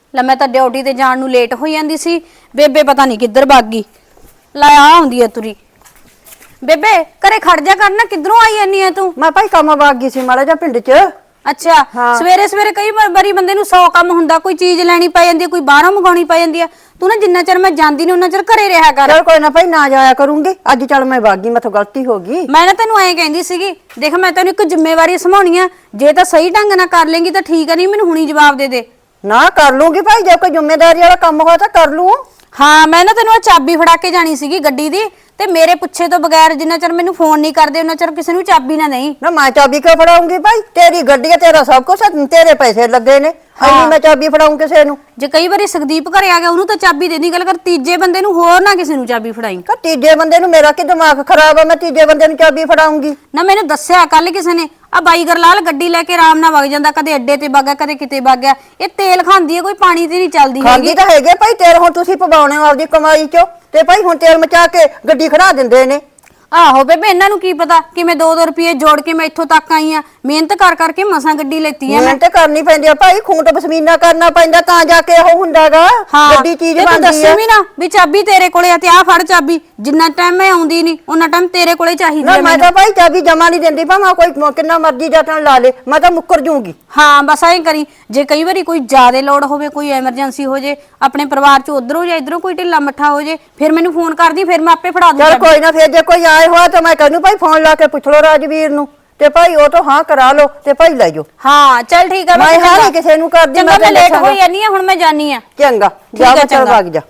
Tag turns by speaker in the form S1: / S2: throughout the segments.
S1: ਲੈ मैं तो ड्यूटी ते जाण नूं लेट हो जांदी सी। बेबे पता नहीं किधर भाग गई। लै आ आउंदी है तुरी। बेबे घरे खड़ जा कर ना, किधरों आई जानी है तू?
S2: मैं भाई काम भाग गई सी माड़ा जा पिंड च।
S1: अच्छा सवेरे सवेरे कई बारी बंदे नूं 100 काम हुंदा, कोई चीज लैनी पै जांदी, कोई बाहरों मंगाउणी पै जांदी है। तू ना जिन्ना चਿਰ मैं जांदी नहीं उन्ना चਿਰ घरे रहा कर।
S2: चल कोई ना भाई ना जाया करूंगी, अज चल मैं भाग गई, मेथों गलती हो गई।
S1: मैं ना तेनू ऐ कहंदी सीगी, देख मैं तेनू एक जिम्मेवारी संभालनी है, जे तां सही ढंग नाल कर लेंगी तां ठीक है, नहीं मैनू हुणी जवाब दे दे।
S2: ना कर लूंगी भाई, जो कोई जिम्मेदारी वाला काम हो तो कर लूं।
S1: हाँ मैं ना तेनू चाबी फड़ा के जानी सीगी गड्डी दी, ते मेरे पुछे तो बगैर जिन्ना चਿਰ मैनू फोन नहीं करदे उन्ना चਿਰ किसी नूं चाबी ना देईं।
S2: ना मैं चाबी क्यों फड़ाऊंगी भाई, तेरी गड्डी है, तेरा सब कुछ है, तेरे पैसे लगे ने। हाँ। मैं चाबी फड़ाऊं किसी नूं?
S1: जे कई बारी सुखदीप घरे आ गया उन्होंने तो चाबी दे दी, गल कर तीजे बंदे नूं होर ना किसी नूं चाबी फड़ाई।
S2: तीजे बंदे नूं मेरा की दिमाग खराब है, मैं तीजे बंदे नूं चाबी फड़ाऊंगी?
S1: ना मैनू दस्सिया कल किसी ने, आ बाई गरलाल गड्डी लैके आराम नाल वग जांदा, कदे अड्डे ते वग गया कदे किते वग गया। ये तेल खांदी है, कोई पानी ते नहीं चलदी
S2: खांदी तां हैगे भाई, तेरे हुण तुसीं पवाउणे आपदी कमाई चों, ते भाई हुण तेल मचा के गड्डी खड़ा दिंदे ने।
S1: आहो बेबे इन्हां नूं की पता कि मैं 2-2 रुपये जोड़ के मैं इत्थों तक आई हां, मेहनत कर करके मसां गड्डी लेती है।
S2: मेहनत करनी पैंदी है भाई, खून पसीना करना पैंदा तां जाके ओह हुंदागा गड्डी चीज
S1: तू
S2: बनदी
S1: दस्सी
S2: है।
S1: भी ना भी चाबी तेरे कोले आ ते आ फड़ चाबी, जिन्ना टाइम मैं आउंदी नहीं उन्ना टाइम तेरे कोले चाहिदी
S2: ना
S1: है।
S2: मैं तो भाई चाबी जमा नहीं देंदी, भावें कोई कितना मर्जी जतन ला ले, मैं तो मुक्कर जूंगी।
S1: हाँ बस ऐ करी, जे कई बारी कोई ज्यादा लोड़ होवे, कोई एमरजेंसी हो जे अपने परिवार च उधरों या इधरों कोई ढिल्ला मट्ठा हो जे, फिर मैनू फोन कर दी, फिर मैं आपे फड़ा दूं।
S2: चल कोई ना, फिर जे कोई आए हुआ तो मैं कहूं भाई फोन ला के पूछ लो राजवीर नूं, ते भाई वो तो हाँ करा लो, ते भाई ले जाओ।
S1: हाँ चल ठीक है,
S2: मैं हाँ नहीं किसी नूं करदी,
S1: चंगा मैं लेट हो जानी है, हुण मैं जानी है।
S2: चंगा जा, चल भाग जा।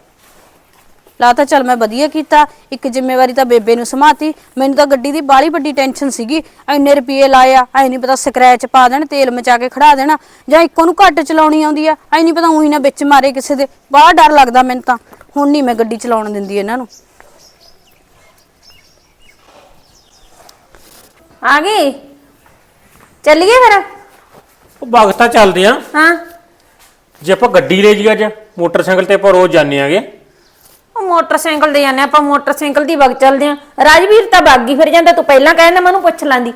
S1: ला तां चल मैं वधिया कीता, एक जिम्मेवारी तां बेबे नूं समाती। मैनूं तां गड्डी दी बाली वड्डी टेंशन सीगी, इन्ने रुपये लाया, ऐ नहीं पता स्क्रैच पा देण, तेल मचा के खड़ा देना, जां इक्को नूं घੱਟ चलाउणी आउंदी आ, ऐ नहीं पता उही ना विच मारे किसे दे। बड़ा डर लगदा मैनूं तां, हुण नहीं मैं गड्डी चलाउण दिंदी इन्हां नूं।
S3: आ गई, चलिए फिर।
S4: भगत चलते हैं।
S3: हाँ
S4: जे आप गड्डी ले जी अज मोटरसाइकिल ते आप रोज जाने आगे।
S3: मोटरसाइकिल ते जाने आपां, मोटरसाइकिल दी वग चलदे आ। राजवीर तां बागी फिर जांदा, तू पहलां कहंदा मैं ਉਹਨੂੰ ਪੁੱਛ ਲਾਂਦੀ।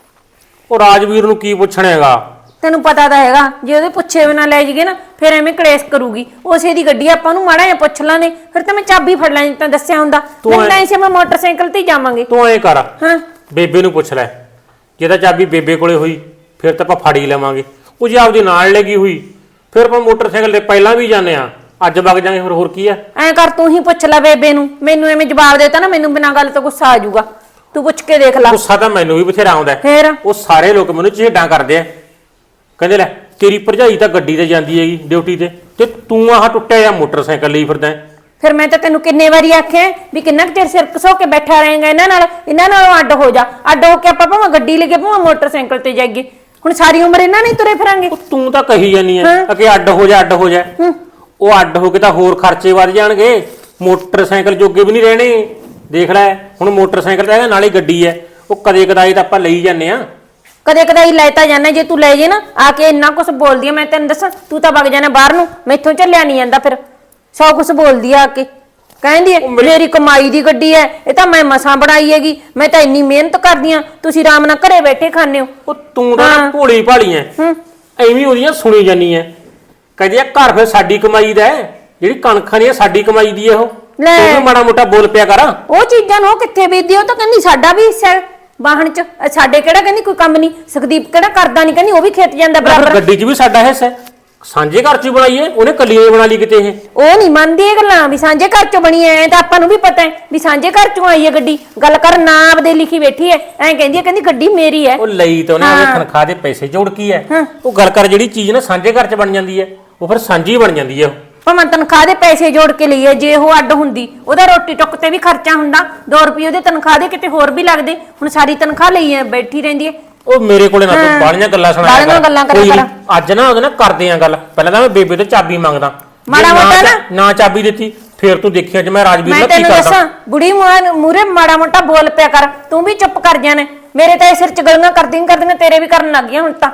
S4: ਉਹ ਰਾਜਵੀਰ ਨੂੰ ਕੀ ਪੁੱਛਣਾ ਹੈਗਾ?
S3: ਤੈਨੂੰ ਪਤਾ ਤਾਂ ਹੈਗਾ ਜੇ ਉਹਦੇ ਪੁੱਛੇ ਬਿਨਾਂ ਲੈ ਜੀਏ ਨਾ ਫਿਰ ਐਵੇਂ ਕਲੇਸ਼ ਕਰੂਗੀ। ਉਸੇ ਦੀ ਗੱਡੀ ਆਪਾਂ ਨੂੰ ਮਾੜਾ ਜਿਹਾ ਪੁੱਛ ਲਾਂਦੇ, ਫਿਰ ਤਾਂ ਮੈਂ ਚਾਬੀ ਫੜ ਲੈਣੀ, ਤਾਂ ਦੱਸਿਆ ਹੁੰਦਾ ਮੈਨੂੰ ਨਹੀਂ ਸੀ ਮੈਂ ਮੋਟਰਸਾਈਕਲ ਤੇ ਹੀ ਜਾਵਾਂਗੇ।
S4: ਤੂੰ ਐਂ ਕਰ,
S3: ਹਾਂ
S4: ਬੇਬੇ ਨੂੰ ਪੁੱਛ ਲੈ, ਜੇ ਤਾਂ ਚਾਬੀ ਬੇਬੇ ਕੋਲੇ ਹੋਈ ਫਿਰ ਤਾਂ ਆਪਾਂ ਫੜ ਹੀ ਲਵਾਂਗੇ। ਉਹ ਜੇ ਆਪਦੇ ਨਾਲ ਲੱਗੀ ਹੋਈ ਫਿਰ ਆਪਾਂ ਮੋਟਰਸਾਈਕਲ ਤੇ ਪਹਿਲਾਂ ਵੀ ਜਾਂਦੇ ਆ, ਅੱਜ ਵਗ ਜਾਾਂਗੇ, ਹੋਰ ਕੀ ਆ।
S3: ਐਂ ਕਰ ਤੂੰ ਹੀ ਪੁੱਛ ਲੈ ਬੇਬੇ ਨੂੰ, ਮੈਨੂੰ ਐਵੇਂ ਜਵਾਬ ਦੇਤਾ ਨਾ ਮੈਨੂੰ ਬਿਨਾਂ ਗੱਲ ਤੋਂ ਗੁੱਸਾ ਆ ਜਾਊਗਾ। ਤੂੰ ਪੁੱਛ ਕੇ ਦੇਖ ਲੈ।
S4: ਗੁੱਸਾ ਤਾਂ ਮੈਨੂੰ ਵੀ ਬਥੇਰਾ ਆਉਂਦਾ,
S3: ਫੇਰ
S4: ਉਹ ਸਾਰੇ ਲੋਕ ਮੈਨੂੰ ਝੇਡਾਂ ਕਰਦੇ ਆ, ਕਹਿੰਦੇ ਲੈ ਤੇਰੀ ਭਰਜਾਈ ਤਾਂ ਗੱਡੀ ਤੇ ਜਾਂਦੀ ਹੈਗੀ ਡਿਊਟੀ ਤੇ ਤੂੰ ਆਹ ਟੁੱਟਿਆ ਜਾਂ ਮੋਟਰਸਾਈਕਲ ਲਈ ਫਿਰਦਾ।
S3: ਫਿਰ ਮੈਂ ਤਾਂ ਤੈਨੂੰ ਕਿੰਨੇ ਵਾਰੀ ਆਖਿਆ ਵੀ ਕਿੰਨਾ ਕੁ ਚਿਰ ਸਿਰ ਘਸੋ ਕੇ ਬੈਠਾ ਰਹੇਗਾ ਇਹਨਾਂ ਨਾਲੋਂ ਅੱਡ ਹੋ ਜਾ। ਅੱਡ ਹੋ ਕੇ ਆਪਾਂ ਭਾਵੇਂ ਗੱਡੀ ਲੈ ਕੇ ਭਾਵੇਂ ਮੋਟਰਸਾਈਕਲ ਤੇ ਜਾਈਏ, ਹੁਣ ਸਾਰੀ ਉਮਰ ਇਹਨਾਂ ਨਹੀਂ ਤੁਰੇ ਫਿਰਾਂਗੇ।
S4: ਤੂੰ ਤਾਂ ਕਹੀ ਜਾਨੀ ਆ ਕਿ ਅੱਡ ਹੋ ਜਾ ਅੱਡ ਹੋ ਜਾ। ਉਹ ਅੱਡ ਹੋ ਕੇ ਤਾਂ ਹੋਰ ਖਰਚੇ ਵੱਧ ਜਾਣਗੇ, ਮੋਟਰਸਾਈਕਲ ਜੋਗੇ ਵੀ ਨਹੀਂ ਰਹਿਣੇ। ਦੇਖ ਲੈ ਹੁਣ ਮੋਟਰਸਾਈਕਲ ਤਾਂ ਹੈਗਾ ਨਾਲੇ ਗੱਡੀ ਹੈ, ਉਹ ਕਦੇ ਕਦਾਈ ਤਾਂ ਆਪਾਂ ਲਈ ਜਾਂਦੇ ਆ।
S3: ਕਦੇ ਕਦਾਈ ਲੈ ਤਾਂ ਜਾਣਾ, ਜੇ ਤੂੰ ਲੈ ਜੇ ਨਾ ਆ ਕੇ ਇੰਨਾ ਕੁਛ ਬੋਲਦੀ ਆ, ਮੈਂ ਤੈਨੂੰ ਦੱਸਾਂ ਤੂੰ ਤਾਂ ਵਗ ਜਾਣਾ ਬਾਹਰ ਨੂੰ, ਮੈਥੋਂ ਝੱਲਿਆ ਨਹੀਂ ਜਾਂਦਾ। ਫਿਰ ਸੌ ਕੁਛ ਬੋਲਦੀ ਆ ਕੇ, ਕਹਿੰਦੀ ਹੈ ਮੇਰੀ ਕਮਾਈ ਦੀ ਗੱਡੀ ਹੈ, ਇਹ ਤਾਂ ਮੈਂ ਮਸਾਂ ਬਣਾਈ ਹੈਗੀ, ਮੈਂ ਤਾਂ ਇੰਨੀ ਮਿਹਨਤ ਕਰਦੀ ਆ, ਤੁਸੀਂ ਆਰਾਮ ਨਾਲ ਘਰੇ ਬੈਠੇ ਖਾਂਦੇ ਹੋ।
S4: ਉਹ ਤੂੰ ਤਾਂ ਭੋਲੀ ਭਾਲੀ ਐ, ਐਵੇਂ ਉਹਦੀਆਂ ਸੁਣੀ ਜਾਨੀ ਐ। ਕਹਿੰਦੀ ਆ ਘਰ ਫਿਰ ਸਾਡੀ ਕਮਾਈ ਦਾ, ਜਿਹੜੀ ਕਣਕਾਂ ਦੀ ਸਾਡੀ ਕਮਾਈ ਦੀ ਐ। ਉਹ ਮਾੜਾ ਮੋਟਾ ਬੋਲ ਪਿਆ ਕਰ।
S3: ਉਹ ਚੀਜ਼ਾਂ ਨੂੰ ਕਿੱਥੇ ਵੇਚਦੀ, ਉਹ ਤਾਂ ਕਹਿੰਦੀ ਸਾਡਾ ਵੀ ਹਿੱਸਾ ਵਾਹਣ ਚ, ਸਾਡੇ ਕਿਹੜਾ ਕਹਿੰਦੀ ਕੋਈ ਕੰਮ ਨਹੀਂ, ਸੁਖਦੀਪ ਕਿਹੜਾ ਕਰਦਾ ਨਹੀਂ, ਕਹਿੰਦੀ ਉਹ ਵੀ ਖੇਤ ਜਾਂਦਾ ਬਰਾਬਰ।
S4: ਗੱਡੀ 'ਚ ਵੀ ਸਾਡਾ ਹਿੱਸਾ, ਸਾਂਝੇ ਘਰ 'ਚ ਹੀ ਬਣਾਈਏ, ਉਹਨੇ ਕੱਲੀ ਨੇ ਬਣਾ ਲਈ ਕਿਤੇ। ਇਹ
S3: ਉਹ ਨਹੀਂ ਮੰਨਦੀ ਇਹ ਗੱਲਾਂ ਵੀ ਸਾਂਝੇ ਘਰ ਚੋਂ ਬਣੀ ਐ, ਤਾਂ ਆਪਾਂ ਨੂੰ ਵੀ ਪਤਾ ਹੈ ਵੀ ਸਾਂਝੇ ਘਰ ਚੋਂ ਆਈ ਹੈ ਗੱਡੀ। ਗੱਲ ਕਰ ਨਾ ਆਪਦੇ ਲਿਖੀ ਬੈਠੀ ਐ, ਐਂ ਕਹਿੰਦੀ ਹੈ ਕਹਿੰਦੀ ਗੱਡੀ ਮੇਰੀ ਐ।
S4: ਉਹ ਲਈ ਤਾਂ ਉਹਨੇ ਆਪਣੀ ਤਨਖਾਹ ਦੇ ਪੈਸੇ ਜੋੜ ਕੀ ਐ। ਉਹ ਗੱਲ ਕਰ ਜਿਹੜੀ ਚੀਜ਼ ਨਾ ਸਾਂਝੇ ਘਰ 'ਚ ਬਣ ਜਾਂਦੀ ਐ ਉਹ ਫਿਰ ਸਾਂਝੀ ਬਣ ਜਾਂਦੀ ਐ।
S3: ਭਾਵੇਂ ਤਨਖਾਹ ਦੇ ਪੈਸੇ ਜੋੜ ਕੇ ਲਈਏ, ਜੇ ਉਹ ਅੱਡ ਹੁੰਦੀ ਉਹਦਾ ਰੋਟੀ ਟੁੱਕ ਤੇ ਵੀ ਖਰਚਾ ਹੁੰਦਾ, 2 ਰੁਪਏ ਉਹਦੇ ਤਨਖਾਹ ਦੇ ਕਿਤੇ ਹੋਰ ਵੀ ਲੱਗਦੇ। ਹੁਣ ਸਾਰੀ ਤਨਖਾਹ ਲਈ ਬੈਠੀ ਰਹਿੰਦੀ ਐ।
S4: ਉਹ ਮੇਰੇ ਕੋਲੇ ਨਾ ਤੂੰ ਬਾਲੀਆਂ ਗੱਲਾਂ ਸੁਣਾਇਆ ਕਰ। ਅੱਜ ਨਾ ਉਹਦੇ ਨਾਲ ਕਰਦੇ ਆ ਗੱਲ, ਪਹਿਲਾਂ ਤਾਂ ਮੈਂ ਬੇਬੇ ਤੋਂ ਚਾਬੀ ਮੰਗਦਾ,
S3: ਮਾੜਾ ਮੋਟਾ
S4: ਨਾ ਚਾਬੀ ਦਿੱਤੀ ਫਿਰ ਤੂੰ ਦੇਖਿਆ ਜੇ ਮੈਂ ਰਾਜਵੀਰ ਨਾਲ ਕੀ ਕਰਦਾ।
S3: ਮੈਂ ਤੈਨੂੰ ਦੱਸਾਂ ਬੁੜੀ ਮੂਰੇ ਮਾੜਾ ਮੋਟਾ ਬੋਲ ਪਿਆ ਕਰ, ਤੂੰ ਵੀ ਚੁੱਪ ਕਰ ਜਾਣਾ। ਮੇਰੇ ਤਾਂ ਸਿਰ ਚ ਗਲੀਆਂ ਕਰਦੀਆਂ ਤੇਰੇ ਵੀ ਕਰਨ ਲੱਗ ਗਈਆਂ ਹੁਣ ਤਾਂ।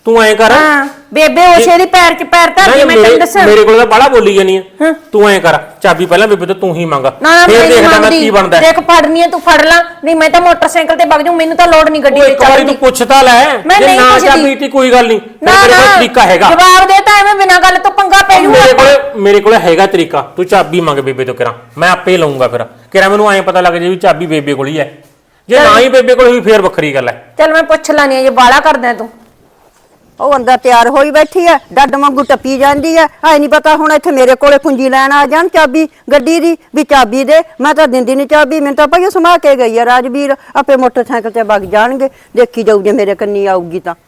S4: ਤੂੰ ਐਂ ਕਰ
S3: ਹਾਂ ਬੇਬੇ ਉਸੇ ਦੀ ਪੈਰ 'ਚ ਪੈਰ ਧਰਦੀ
S4: ਨਹੀਂ,
S3: ਮੈਂ ਤੈਨੂੰ ਦੱਸਾਂ
S4: ਮੇਰੇ ਕੋਲ ਤਾਂ ਬਾਹਲਾ ਬੋਲੀ ਜਾਨੀ ਆ ਤੂੰ ਐਂ ਕਰ ਚਾਬੀ ਪਹਿਲਾਂ ਬੇਬੇ ਤੋਂ ਤੂੰ ਹੀ ਮੰਗ
S3: ਨਾ
S4: ਫੇਰ
S3: ਮੈਂ
S4: ਦੇਖਦਾ ਮੈਂ ਕੀ ਬਣਦਾ
S3: ਦੇਖ ਫੜਨੀ ਹੈ ਤੂੰ ਫੜ ਲਾ ਨਹੀਂ ਮੈਂ ਤਾਂ ਮੋਟਰਸਾਈਕਲ ਤੇ ਵਗ ਜਾਊਂ ਮੈਨੂੰ ਤਾਂ ਲੋੜ ਨਹੀਂ ਗੱਡੀ
S4: ਉਹ
S3: ਤੇ
S4: ਇੱਕ ਵਾਰੀ
S3: ਚੜ੍ਹਨ
S4: ਤੂੰ
S3: ਦੀ
S4: ਪੁੱਛ ਤਾਂ ਲੈ
S3: ਮੈਂ
S4: ਜੇ
S3: ਨਹੀਂ
S4: ਨਾ
S3: ਪੁੱਛਦੀ।
S4: ਚਾਬੀ ਤੀ ਕੋਈ ਗੱਲ ਨਹੀਂ
S3: ਨਾ
S4: ਮੇਰੇ ਕੋਲ
S3: ਨਾ
S4: ਤਰੀਕਾ ਹੈਗਾ
S3: ਜਵਾਬ ਦੇ ਤਾਂ ਐਵੇਂ ਬਿਨਾਂ ਗੱਲ ਤੋਂ ਪੰਗਾ ਪੈ ਜੂਗਾ
S4: ਮੇਰੇ ਕੋਲ ਹੈਗਾ ਤਰੀਕਾ ਤੂੰ ਚਾਬੀ ਮੰਗ ਬੇਬੇ ਤੋਂ ਕਰਾਂ ਮੈਂ ਆਪੇ ਲਊਂਗਾ ਫਿਰ ਕਿਰਾਂ ਮੈਨੂੰ ਐਂ ਪਤਾ ਲੱਗ ਜੇ ਵੀ ਚਾਬੀ ਬੇਬੇ ਕੋਲ ਹੀ ਹੈ ਜੇ ਨਾ ਹੀ ਬੇਬੇ ਕੋਲ ਹੋਈ ਫੇਰ ਵੱਖਰੀ ਗੱਲ ਹੈ
S3: ਚੱਲ ਮੈਂ ਪੁੱਛ ਲਾਨੀ ਆ ਜੇ ਬਾਲਾ ਕਰਦਾ ਤੂੰ
S2: ਉਹ ਅੰਦਰ ਤਿਆਰ ਹੋਈ ਬੈਠੀ ਐ ਡੱਡ ਵਾਂਗੂ ਟੱਪੀ ਜਾਂਦੀ ਐ ਐ ਨਹੀਂ ਪਤਾ ਹੁਣ ਇੱਥੇ ਮੇਰੇ ਕੋਲੇ ਕੁੰਜੀ ਲੈਣ ਆ ਜਾਣ ਚਾਬੀ ਗੱਡੀ ਦੀ ਵੀ ਚਾਬੀ ਦੇ ਮੈਂ ਤਾਂ ਦਿੰਦੀ ਨਹੀਂ ਚਾਬੀ ਮੈਨੂੰ ਤਾਂ ਭਾਈ ਸਮਾ ਕੇ ਗਈ ਐ ਰਾਜਵੀਰ ਆਪੇ ਮੋਟਰਸਾਈਕਲ ਤੇ ਵਗ ਜਾਣਗੇ ਦੇਖੀ ਜਾਊ ਜੇ ਮੇਰੇ ਕੰਨੀ ਆਊਗੀ ਤਾਂ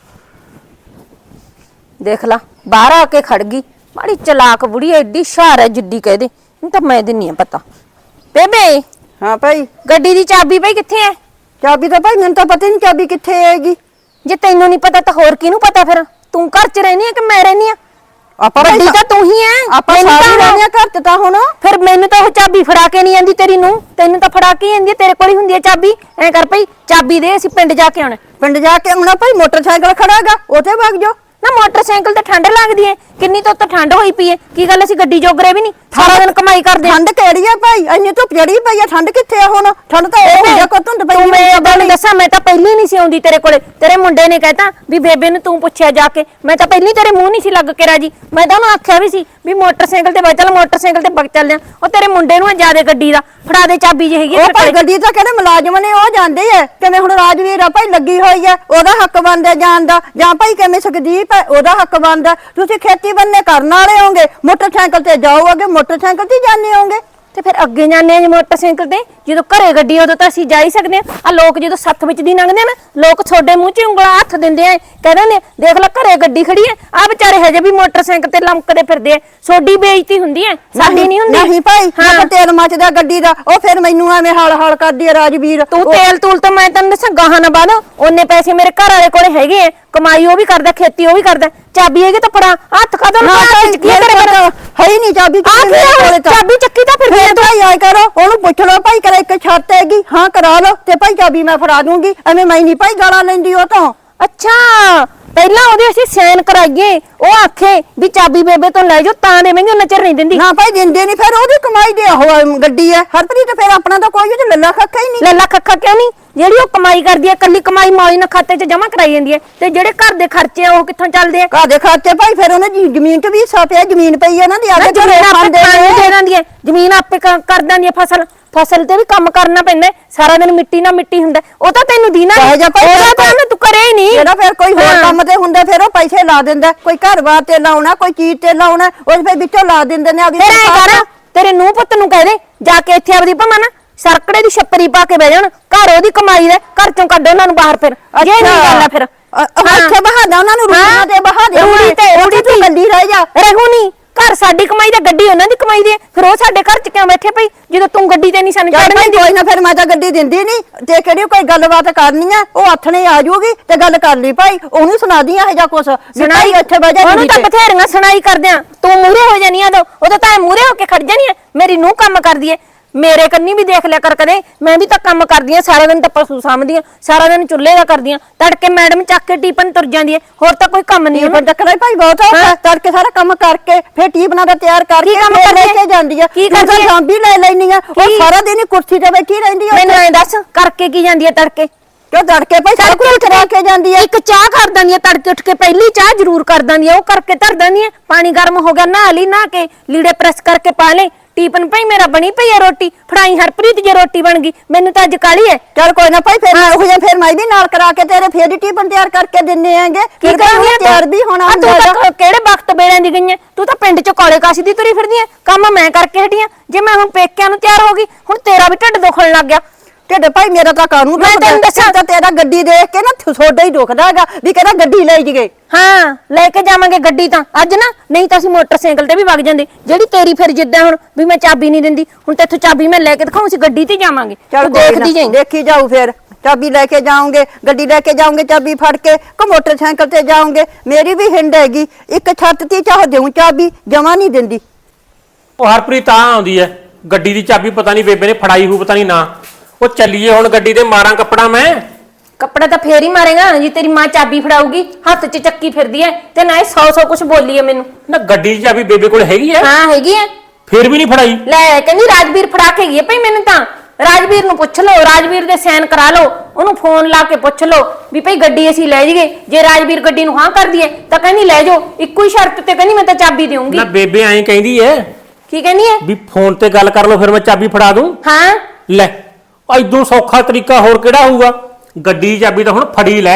S3: ਦੇਖ ਲਾ ਬਾਹਰ ਆ ਕੇ ਖੜ ਗਈ ਬੜੀ ਚਲਾਕ ਬੁੜੀ ਐਡੀ ਹੁਸ਼ਿਆਰ ਹੈ ਜਿੱਡੀ ਕਹਦੇ ਨਹੀਂ ਤਾਂ ਮੈਂ ਦਿੰਨੀ ਆ ਪਤਾ ਬੇਬੇ
S2: ਹਾਂ ਭਾਈ
S3: ਗੱਡੀ ਦੀ ਚਾਬੀ ਭਾਈ ਕਿੱਥੇ ਹੈ
S2: ਚਾਬੀ ਤਾਂ ਭਾਈ ਮੈਨੂੰ ਤਾਂ ਪਤਾ ਹੀ ਨਹੀਂ ਚਾਬੀ ਕਿੱਥੇ ਆਏਗੀ
S3: ਜੇ ਤੈਨੂੰ ਨਹੀਂ ਪਤਾ ਤਾਂ ਹੋਰ ਕਿਹਨੂੰ ਪਤਾ ਫਿਰ ਤੂੰ ਘਰ 'ਚ ਰਹਿਨੀ ਹੈ ਕਿ ਮੈਂ ਰਹਿਨੀ ਆ
S2: ਆਪਾਂ
S3: ਵੱਡੀ ਤਾਂ ਤੂੰ ਹੀ ਹੈ
S2: ਆਪਾਂ
S3: ਮੈਨੂੰ
S2: ਸਾਰੇ
S3: ਤਾਂ-
S2: ਰਹਿੰਦੇ ਆ ਘਰ ਤੇ ਤਾਂ ਹੁਣ
S3: ਫਿਰ ਮੈਨੂੰ ਤਾਂ ਉਹ ਚਾਬੀ ਫੜਾ ਕੇ ਨਹੀਂ ਆਂਦੀ ਤੇਰੀ ਨੂੰ ਤੈਨੂੰ ਤਾਂ ਫੜਾ ਕੇ ਹੀ ਆਂਦੀ ਹੈ, ਤੇਰੇ ਕੋਲ ਹੀ ਹੁੰਦੀ ਹੈ ਚਾਬੀ ਐ ਕਰ ਭਾਈ ਚਾਬੀ ਦੇ ਅਸੀਂ ਪਿੰਡ ਜਾ ਕੇ ਆਉਣਾ
S2: ਪਿੰਡ ਜਾ ਕੇ ਆਉਣਾ ਭਾਈ ਮੋਟਰਸਾਈਕਲ ਖੜਾਗਾ ਉੱਥੇ ਵਗ ਜਾਓ
S3: ਨਾ ਮੋਟਰਸਾਈਕਲ ਤੇ ਠੰਡ ਲੱਗਦੀ ਹੈ ਕਿੰਨੀ ਤੋਂ ਤਾਂ ਠੰਡ ਹੋਈ ਪਈ ਹੈ ਕੀ ਗੱਲ ਅਸੀਂ ਗੱਡੀ ਜੋਗਰੇ ਵੀ ਨਹੀਂ ਸਾਰਾ ਦਿਨ ਕਮਾਈ ਕਰਦੇ ਹਾਂ।
S2: ਠੰਡ ਕਿਹੜੀ ਆ ਭਾਈ ਇੰਨੀ ਧੁੱਪ ਜੜੀ ਪਈ ਆ ਠੰਡ ਕਿੱਥੇ ਆ ਹੁਣ ਠੰਡ ਤਾਂ ਉਹ ਹੋ ਜਾ ਕੋ ਧੁੰਦ ਪਈ
S3: ਤੂੰ ਮੈਂ ਤੁਹਾਨੂੰ ਦੱਸਾਂ ਮੈਂ ਤਾਂ ਪਹਿਲੀ ਨਹੀਂ ਸੀ ਆਉਂਦੀ ਤੇਰੇ ਕੋਲੇ ਤੇਰੇ ਮੁੰਡੇ ਨੇ ਕਹਿਤਾ ਵੀ ਬੇਬੇ ਨੂੰ ਤੂੰ ਪੁੱਛਿਆ ਜਾ ਕੇ ਮੈਂ ਤਾਂ ਪਹਿਲੀ ਤੇਰੇ ਮੂੰਹ ਨਹੀਂ ਸੀ ਲੱਗ ਕੇ ਰਾਜੀ ਮੈਂ ਤਾਂ ਉਹਨੂੰ ਆਖਿਆ ਵੀ ਸੀ ਵੀ ਮੋਟਰਸਾਈਕਲ ਤੇ ਬੈ ਚੱਲ ਮੋਟਰਸਾਈਕਲ ਤੇ ਬਗ ਚੱਲਦੇ ਆ ਉਹ ਤੇਰੇ ਮੁੰਡੇ ਨੂੰ ਜਿਆਦੇ ਗੱਡੀ ਦਾ ਫੜਾ ਦੇ ਚਾਬੀ ਜਿਹੀ ਹੈਗੀ
S2: ਉਹ
S3: ਤੇਰੇ
S2: ਭਾਈ
S3: ਕੋਲੇ।
S2: ਗੱਡੀ ਤਾਂ ਕਿਹੜੇ ਮੁਲਾਜ਼ਮ ਨੇ ਉਹ ਜਾਂਦੇ ਐ ਕਿਵੇਂ ਹੁਣ ਰਾਜਵੀਰ ਆ ਭਾਈ ਲੱਗੀ ਹੋਈ ਐ ਉਹਦਾ ਹੱਕ ਬਣਦਾ ਜਾਣ ਦਾ ਜਾਂ ਭਾਈ ਕਿਵੇਂ ਸੁਖਦੀਪ ਐ ਉਹਦਾ ਹੱਕ ਬਣਦਾ ਤੁਸੀਂ ਖੇਤੀ ਬੰਨੇ ਕਰਨ ਵਾਲੇ ਹੋਗੇ ਮੋਟਰਸਾਈਕਲ ਤੇ ਜਾਓਗੇ ਮੋਟਰਸਾਈਕਲ ਤੇ ਜਾਂਦੇ ਹੋਗੇ
S3: ਤੇ ਫਿਰ ਅੱਗੇ ਜਾਂਦੇ ਆ ਜੀ ਮੋਟਰਸਾਈਕਲ ਤੇ ਜਦੋਂ ਘਰੇ ਗੱਡੀ ਉਦੋਂ ਤਾਂ ਅਸੀਂ ਜਾ ਹੀ ਸਕਦੇ ਆ ਆ ਲੋਕ ਜਦੋਂ ਸੱਥ ਵਿੱਚ ਦੀ ਲੰਘਦੇ ਆ ਨਾ ਲੋਕ ਛੋਡੇ ਮੂੰਹ 'ਚ ਉਂਗਲਾਂ ਹੱਥ ਦਿੰਦੇ ਆ ਕਹਿੰਦੇ ਨੇ ਦੇਖ ਲੈ ਘਰੇ ਗੱਡੀ ਖੜੀ ਐ ਆ ਵਿਚਾਰੇ ਹਜੇ ਵੀ ਮੋਟਰਸਾਈਕਲ ਤੇ ਲੰਮਕਦੇ ਫਿਰਦੇ ਆ ਛੋਡੀ ਬੇਇੱਜ਼ਤੀ ਹੁੰਦੀ ਐ ਸਾਡੀ ਨਹੀਂ ਹੁੰਦੀ
S2: ਨਹੀਂ ਭਾਈ ਮੈਂ ਤਾਂ ਤੇਲ ਮੱਚਦਾ ਗੱਡੀ ਦਾ ਉਹ ਫਿਰ ਮੈਨੂੰ ਐਵੇਂ ਹਾਲ ਕਰਦੀ ਐ ਰਾਜਵੀਰ
S3: ਤੂੰ ਤੇਲ ਤੂਲ ਤਾਂ ਮੈਂ ਤੈਨੂੰ ਦੱਸਾਂ ਗਾਹਾਂ ਨਾ ਬਾਦ ਉਹਨੇ ਪੈਸੇ ਮੇਰੇ ਘਰ ਵਾਲੇ ਕੋਲੇ ਹੈਗੇ ਐ ਕਮਾਈ ਉਹ ਵੀ ਕਰਦਾ ਖੇਤੀ ਉਹ ਵੀ ਕਰਦਾ ਚਾਬੀ ਹੈਗੀ ਤਾਂ ਫੜਾ ਹੱਥ ਕਾ ਦੋ
S2: ਨਾ ਭਾਈ
S3: ਕੀ ਕਰੇ ਫਿਰ
S2: ਹੈ ਹੀ ਨਹੀਂ ਚਾਬੀ
S3: ਆ ਕੀ ਆ? ਚਾਬੀ ਚੱਕੀ ਤਾਂ ਫਿਰ
S2: ਫਿਰ ਭਾਈ ਆਏ ਕਰੋ ਉਹਨੂੰ ਪੁੱਛ ਲਓ ਭਾਈ ਕਰੇ ਇੱਕ ਛੱਤ ਹੈਗੀ ਹਾਂ ਕਰਾ ਲਓ ਤੇ ਭਾਈ ਚਾਬੀ ਮੈਂ ਫੜਾ ਦੂੰਗੀ ਐਵੇਂ ਮੈਂ ਨਹੀਂ ਭਾਈ ਗਾਲਾਂ ਲੈਂਦੀ ਉਹ ਤੋਂ
S3: ਅੱਛਾ ਪਹਿਲਾਂ ਉਹਦੇ ਅਸੀਂ ਸਾਈਨ ਕਰਾਈਏ ਉਹ ਆਖੇ ਵੀ ਚਾਬੀ ਬੇਬੇ ਤੋਂ ਲੈ ਜਾਓ ਤਾਂ ਦੇਵਾਂਗੇ ਉਹਨਾਂ ਚਿਰ ਨਹੀਂ ਦਿੰਦੀ
S2: ਨਾ ਭਾਈ ਦਿੰਦੇ ਨਹੀਂ ਫਿਰ ਉਹਦੀ ਕਮਾਈ ਦੇ ਉਹ ਗੱਡੀ ਹੈ ਹਰਪ੍ਰੀਤ ਫਿਰ ਆਪਣਾ ਤਾਂ ਕੋਈ ਉਹਦੇ ਲੱਲਾ ਖੱਖਾ ਹੀ ਨਹੀਂ
S3: ਲੱਲਾ ਖੱਖਾ ਕਿਉਂ ਨਹੀਂ ਜਿਹੜੀ ਉਹ ਕਮਾਈ ਕਰਦੀ ਹੈ ਕੱਲੀ ਕਮਾਈ ਮੌਜ ਨਾਲ ਖਾਤੇ 'ਚ ਜਮ੍ਹਾਂ ਕਰਾਈ ਜਾਂਦੀ ਹੈ ਤੇ ਜਿਹੜੇ ਘਰ ਦੇ ਖਰਚੇ ਆ ਉਹ ਕਿੱਥੋਂ ਚੱਲਦੇ ਆ
S2: ਘਰ ਦੇ ਖਾਤੇ ਭਾਈ ਫਿਰ ਉਹਨੇ ਜ਼ਮੀਨ ਤੇ ਵੀ ਹਿੱਸਾ ਪਿਆ ਜ਼ਮੀਨ ਪਈ ਹੈ ਉਹਨਾਂ ਦੀ ਆਗੇ
S3: ਜ਼ਮੀਨ ਆਪੇ ਖਾਣ ਦੇ ਦਿੰਦੀ ਹੈ ਜ਼ਮੀਨ ਆਪੇ ਕਰ ਦਿੰਦੀ ਹੈ ਫਸਲ ਤੇ ਵੀ ਕੰਮ ਕਰਨਾ ਪੈਂਦਾ ਹੈ। ਸਾਰਾ ਦਿਨ ਮਿੱਟੀ ਨਾਲ ਮਿੱਟੀ ਹੁੰਦਾ ਹੈ। ਉਹ ਤਾਂ ਤੈਨੂੰ ਦੀਨਾ
S2: ਕਹੇ ਜਾ ਭਾਈ
S3: ਉਹਦਾ ਤਾਂ ਉਹਨੇ ਤੂੰ ਕਰੇ ਹੀ ਨਹੀਂ
S2: ਜਿਹੜਾ ਫਿਰ ਕੋਈ ਹੋਰ
S3: ਹਾਂ।
S2: ਕੰਮ ਤੇ ਹੁੰਦਾ ਫਿਰ ਉਹ ਪੈਸੇ ਲਾ ਦਿੰਦਾ ਕੋਈ ਘਰ-ਬਾਰ ਤੇ ਲਾਉਣਾ ਕੋਈ ਚੀਜ਼ ਤੇ ਲਾਉਣਾ ਉਹ ਫਿਰ ਵਿੱਚੋਂ ਲਾ ਦਿੰਦੇ ਨੇ ਆਪਦੀ
S3: ਫਿਰ ਐ ਕਰ ਤੇਰੇ ਨੂੰਹ ਪੁੱਤ ਨੂੰ ਕਹਿ ਦੇ ਜਾ ਕੇ ਇੱਥੇ ਆਪਦੀ ਭਮਾ ਨਾ ਸਰਕੜੇ ਦੀ ਛੱਪਰੀ ਪਾ ਕੇ ਬਹਿ ਜਾਣ ਘਰ ਉਹਦੀ ਕਮਾਈ ਦਾ ਘਰ ਚੋਂ ਕੱਢ ਉਹਨਾਂ ਨੂੰ ਬਾਹਰ ਫਿਰ ਜੇ ਨਹੀਂ ਗੱਲ ਆ ਫਿਰ
S2: ਅੱਛਾ ਬਹਾਦਾ ਉਹਨਾਂ ਨੂੰ ਰੂੜੀਆਂ ਤੇ ਬਹਾ ਦੇ
S3: ਰੂੜੀ
S2: ਤੂੰ ਗੱਡੀ ਰਹਿ ਜਾ
S3: ਰਹੂ ਨਹੀਂ ਘਰ ਸਾਡੀ ਕਮਾਈ ਦਾ ਗੱਡੀ ਉਹਨਾਂ ਦੀ ਕਮਾਈ ਦੀ ਹੈ ਫਿਰ ਉਹ ਸਾਡੇ ਘਰ ਚ ਕਿਉਂ ਬੈਠੇ ਪਈ ਜਦੋਂ ਤੂੰ ਗੱਡੀ ਤੇ ਨਹੀਂ ਸਾਨੂੰ
S2: ਚੱਲ
S3: ਚੜ੍ਹਨ
S2: ਭਾਈ
S3: ਦਿੰਦੀ
S2: ਕੋਈ ਨਾ ਫਿਰ ਮੈਂ ਤਾਂ ਗੱਡੀ ਦਿੰਦੀ ਨਹੀਂ ਤੇ ਕਿਹੜੀ ਕੋਈ ਗੱਲਬਾਤ ਕਰਨੀ ਆ ਉਹ ਆਥਣੇ ਆ ਜਾਊਗੀ ਤੇ ਗੱਲ ਕਰ ਲਈ ਭਾਈ ਉਹਨੂੰ ਸੁਣਾ ਦੀਆਂ ਇਹ ਜਾਂ ਕੁਛ
S3: ਸੁਣਾਈ
S2: ਇੱਥੇ ਬਹਿ ਜਾ
S3: ਉਹਨੂੰ ਤਾਂ ਬਥੇਰੀਆਂ ਸੁਣਾਈ ਕਰਦੇ ਆ ਤੂੰ ਮੂਰੇ ਹੋ ਜਾਨੀ ਆ ਉਦੋਂ ਤਾਂ ਮੂਰੇ ਹੋ ਕੇ ਖੜ ਜਾਨੀ ਆ ਮੇਰੀ ਨੂੰਹ ਕੰਮ ਕਰਦੀ ਏ ਮੇਰੇ ਕੰਨੀ ਵੀ ਦੇਖ ਲਿਆ ਕਰ ਕਦੇ ਮੈਂ ਵੀ ਤਾਂ ਕੰਮ ਕਰਦੀ ਆ ਸਾਰਾ ਦਿਨ ਤਾਂ ਪਸ਼ੂ ਸਾਂਭਦੀ ਆ ਸਾਰਾ ਦਿਨ ਚੁੱਲ੍ਹੇ ਦਾ ਕਰਦੀ ਆ ਤੜਕੇ ਮੈਡਮ ਚੱਕ ਕੇ ਟੀਪਨ ਤੁਰ ਜਾਂਦੀ ਏ ਹੋਰ ਤਾਂ ਕੋਈ ਕੰਮ ਨਹੀਂ
S2: ਪਰ ਚੱਕਰ ਭਾਈ ਬਹੁਤ ਔਖਾ ਤੜਕੇ ਸਾਰਾ ਕੰਮ ਕਰਕੇ ਫਿਰ ਟੀਪਨਾ ਦਾ ਤਿਆਰ ਕਰਕੇ
S3: ਕੰਮ
S2: ਫਿਰ ਲੈ
S3: ਕਰਦੀ
S2: ਕੇ ਜਾਂਦੀ ਆ
S3: ਕੀ ਕਰਦੀ ਆ?
S2: ਸਾਂਭੀ ਲੈ ਲੈਣੀ ਆ ਉਹ ਸਾਰਾ ਦਿਨ ਹੀ ਕੁਰਸੀ ਤੇ ਬੈਠੀ ਰਹਿੰਦੀ ਆ
S3: ਮੈਨੂੰ ਐਂ ਦੱਸ ਕਰਕੇ ਕੀ ਜਾਂਦੀ ਏ ਤੜਕੇ
S2: ਕਿਉਂ ਤੜਕੇ ਭਾਈ ਸਾਰਾ ਕੁਝ ਕਰਾ ਕੇ ਜਾਂਦੀ ਆ
S3: ਇੱਕ ਚਾਹ ਕਰ ਦਿੰਦੀ ਆ ਤੜਕੇ ਉੱਠ ਕੇ ਪਹਿਲੀ ਚਾਹ ਜ਼ਰੂਰ ਕਰ ਦਿੰਦੀ ਆ ਉਹ ਕਰਕੇ ਧਰ ਦਿੰਦੀ ਆ ਪਾਣੀ ਗਰਮ ਹੋ ਗਿਆ ਨਹਾ ਲਈ ਨਹਾ ਕੇ ਲੀੜੇ ਪ੍ਰੈਸ ਕਰਕੇ ਪਾ ਲੈ ਟੀਪਨ ਭਾਈ ਮੇਰਾ ਬਣੀ ਪਈ ਆ ਰੋਟੀ ਫੜਾਈ ਹਰਪ੍ਰੀਤ ਜੇ ਰੋਟੀ ਬਣ ਗਈ ਮੈਨੂੰ ਤਾਂ ਅੱਜ ਕਾਲੀ ਐ
S2: ਚੱਲ ਕੋਈ ਨਾ ਭਾਈ ਫਿਰ ਉਹ ਜਾਂ ਫਿਰ ਮੈਂ ਵੀ ਨਾਲ ਕਰਾ ਕੇ ਤੇਰੇ ਫੇਰ ਹੀ ਟੀਪਨ ਤਿਆਰ ਕਰਕੇ ਦਿੰਨੇ ਆਂਗੇ
S3: ਕੀ ਕਰਨੀ
S2: ਤਿਆਰ ਵੀ ਹੋਣਾ
S3: ਤੂੰ
S2: ਹੁੰਦਾ
S3: ਤਾਂ ਕਿਹੜੇ ਵਕਤ ਬੇੜਾਂ ਦੀ ਗਈ ਐ ਤੂੰ ਤਾਂ ਪਿੰਡ ਚ ਕੋਲੇ ਕਾਸੀ ਦੀ ਤੁਰੀ ਫਿਰਦੀ ਐ ਕੰਮ ਮੈਂ ਕਰਕੇ ਹਟੀ ਆਂ ਜੇ ਮੈਂ ਹੁਣ ਪੇਕਿਆਂ ਨੂੰ ਤਿਆਰ ਹੋ ਗਈ ਹੁਣ ਤੇਰਾ ਵੀ ਢਿੱਡ ਦੁਖਣ ਲੱਗ ਗਿਆ
S2: ਢਿੱਡ ਭਾਈ ਮੇਰਾ ਤਾਂ ਕਾਨੂੰਨ
S3: ਮੈਂ ਤੈਨੂੰ ਦੱਸਾਂ
S2: ਤਾਂ ਤੇਰਾ ਗੱਡੀ ਦੇਖ ਕੇ ਨਾ ਤੁਹਾਡਾ ਹੀ ਦੁਖਦਾ ਹੈਗਾ ਵੀ ਕਹਿੰਦਾ ਗੱਡੀ ਲੈ ਜੀਗੇ
S3: ਹਾਂ ਲੈ ਕੇ ਜਾਵਾਂਗੇ ਗੱਡੀ ਤਾਂ ਅੱਜ ਨਾ ਨਹੀਂ ਤਾਂ ਅਸੀਂ ਮੋਟਰਸਾਈਕਲ ਤੇ ਵੀ ਵਗ ਜਾਂਦੇ ਜਿਹੜੀ ਤੇਰੀ ਫਿਰ ਜਿੱਦਾਂ ਹੁਣ ਵੀ ਮੈਂ ਚਾਬੀ ਨਹੀਂ ਦਿੰਦੀ ਹੁਣ ਤੇਥੋਂ ਚਾਬੀ ਮੈਂ ਲੈ ਕੇ ਦਿਖਾਉਂ ਅਸੀਂ ਗੱਡੀ ਤੇ ਜਾਵਾਂਗੇ
S2: ਚੱਲ
S3: ਤੂੰ ਦੇਖਦੀ ਜਾਈਂ
S2: ਦੇਖੀ ਜਾਊ ਫਿਰ ਚਾਬੀ ਲੈ ਕੇ ਜਾਓਗੇ ਗੱਡੀ ਲੈ ਕੇ ਜਾਓਗੇ ਚਾਬੀ ਫੜ ਕੇ ਕਿ ਮੋਟਰਸਾਈਕਲ ਤੇ ਜਾਓਗੇ ਮੇਰੀ ਵੀ ਹਿੰਡ ਹੈਗੀ ਇੱਕ ਛੱਤ ਤੇ ਚਾਹ ਦੇਉ ਚਾਬੀ ਜਮਾ ਨਹੀਂ ਦਿੰਦੀ
S4: ਉਹ ਹਰਪ੍ਰੀਤ ਆ ਆਉਂਦੀ ਐ ਗੱਡੀ ਦੀ ਚਾਬੀ ਪਤਾ ਨਹੀਂ ਬੇਬੇ ਨੇ ਫੜਾਈ ਹੋਊ ਪਤਾ ਨਹੀਂ ਨਾ ਉਹ ਚੱਲੀਏ ਹੁਣ ਗੱਡੀ ਤੇ ਮਾਰਾਂ ਕੱਪੜਾ ਮੈਂ
S3: ਕੱਪੜਾ ਤਾਂ ਫੇਰ ਹੀ ਮਾਰੇਗਾ ਜੀ ਤੇਰੀ ਮਾਂ ਚਾਬੀ ਫੜਾਊਗੀ ਹੱਥ 'ਚ ਚੱਕੀ ਫਿਰਦੀ ਐ ਤੇ ਨਾ 100 ਕੁਛ ਬੋਲੀ ਐ ਮੈਨੂੰ।
S4: ਨਾ ਗੱਡੀ 'ਚ ਚਾਬੀ ਬੇਬੇ ਕੋਲ ਹੈਗੀ ਐ?
S3: ਹਾਂ ਹੈਗੀ ਐ।
S4: ਫੇਰ ਵੀ ਨਹੀਂ ਫੜਾਈ?
S3: ਲੈ ਕਹਿੰਦੀ ਰਾਜਵੀਰ ਫੜਾ ਕੇ ਗਈ ਐ ਭਈ ਮੈਨੂੰ ਤਾਂ। ਰਾਜਵੀਰ ਨੂੰ ਪੁੱਛ ਲਓ, ਰਾਜਵੀਰ ਦੇ ਸਾਈਨ ਕਰਾ ਲਓ, ਉਹਨੂੰ ਫੋਨ ਲਾ ਕੇ ਪੁੱਛ ਲਓ ਵੀ ਭਈ ਗੱਡੀ ਅਸੀਂ ਲੈ ਜਾਈਏ। ਜੇ ਰਾਜਵੀਰ ਗੱਡੀ ਨੂੰ ਹਾਂ ਕਰਦੀ ਐ ਤਾਂ ਕਹਿੰਦੀ ਲੈ ਜਾਓ, ਇੱਕੋ ਹੀ ਸ਼ਰਤ ਤੇ ਕਹਿੰਦੀ ਮੈਂ ਤਾਂ ਚਾਬੀ ਦੇਵਾਂਗੀ।
S4: ਨਾ ਬੇਬੇ ਐਂ ਕਹਿੰਦੀ ਐ
S3: ਕੀ ਕਹਿੰਦੀ ਐ?
S4: ਵੀ ਫੋਨ ਤੇ ਗੱਲ ਕਰ ਲਓ ਫਿਰ ਮੈਂ ਚਾਬੀ ਫੜਾ ਦੂੰ।
S3: ਹਾਂ
S4: ਲੈ ਐਦੋਂ ਸੌਖਾ ਤਰੀਕਾ ਹੋਰ ਕਿਹੜਾ ਹੋਊਗਾ? ਗੱਡੀ ਦੀ ਚਾਬੀ ਤਾਂ ਹੁਣ ਫੜੀ ਲੈ।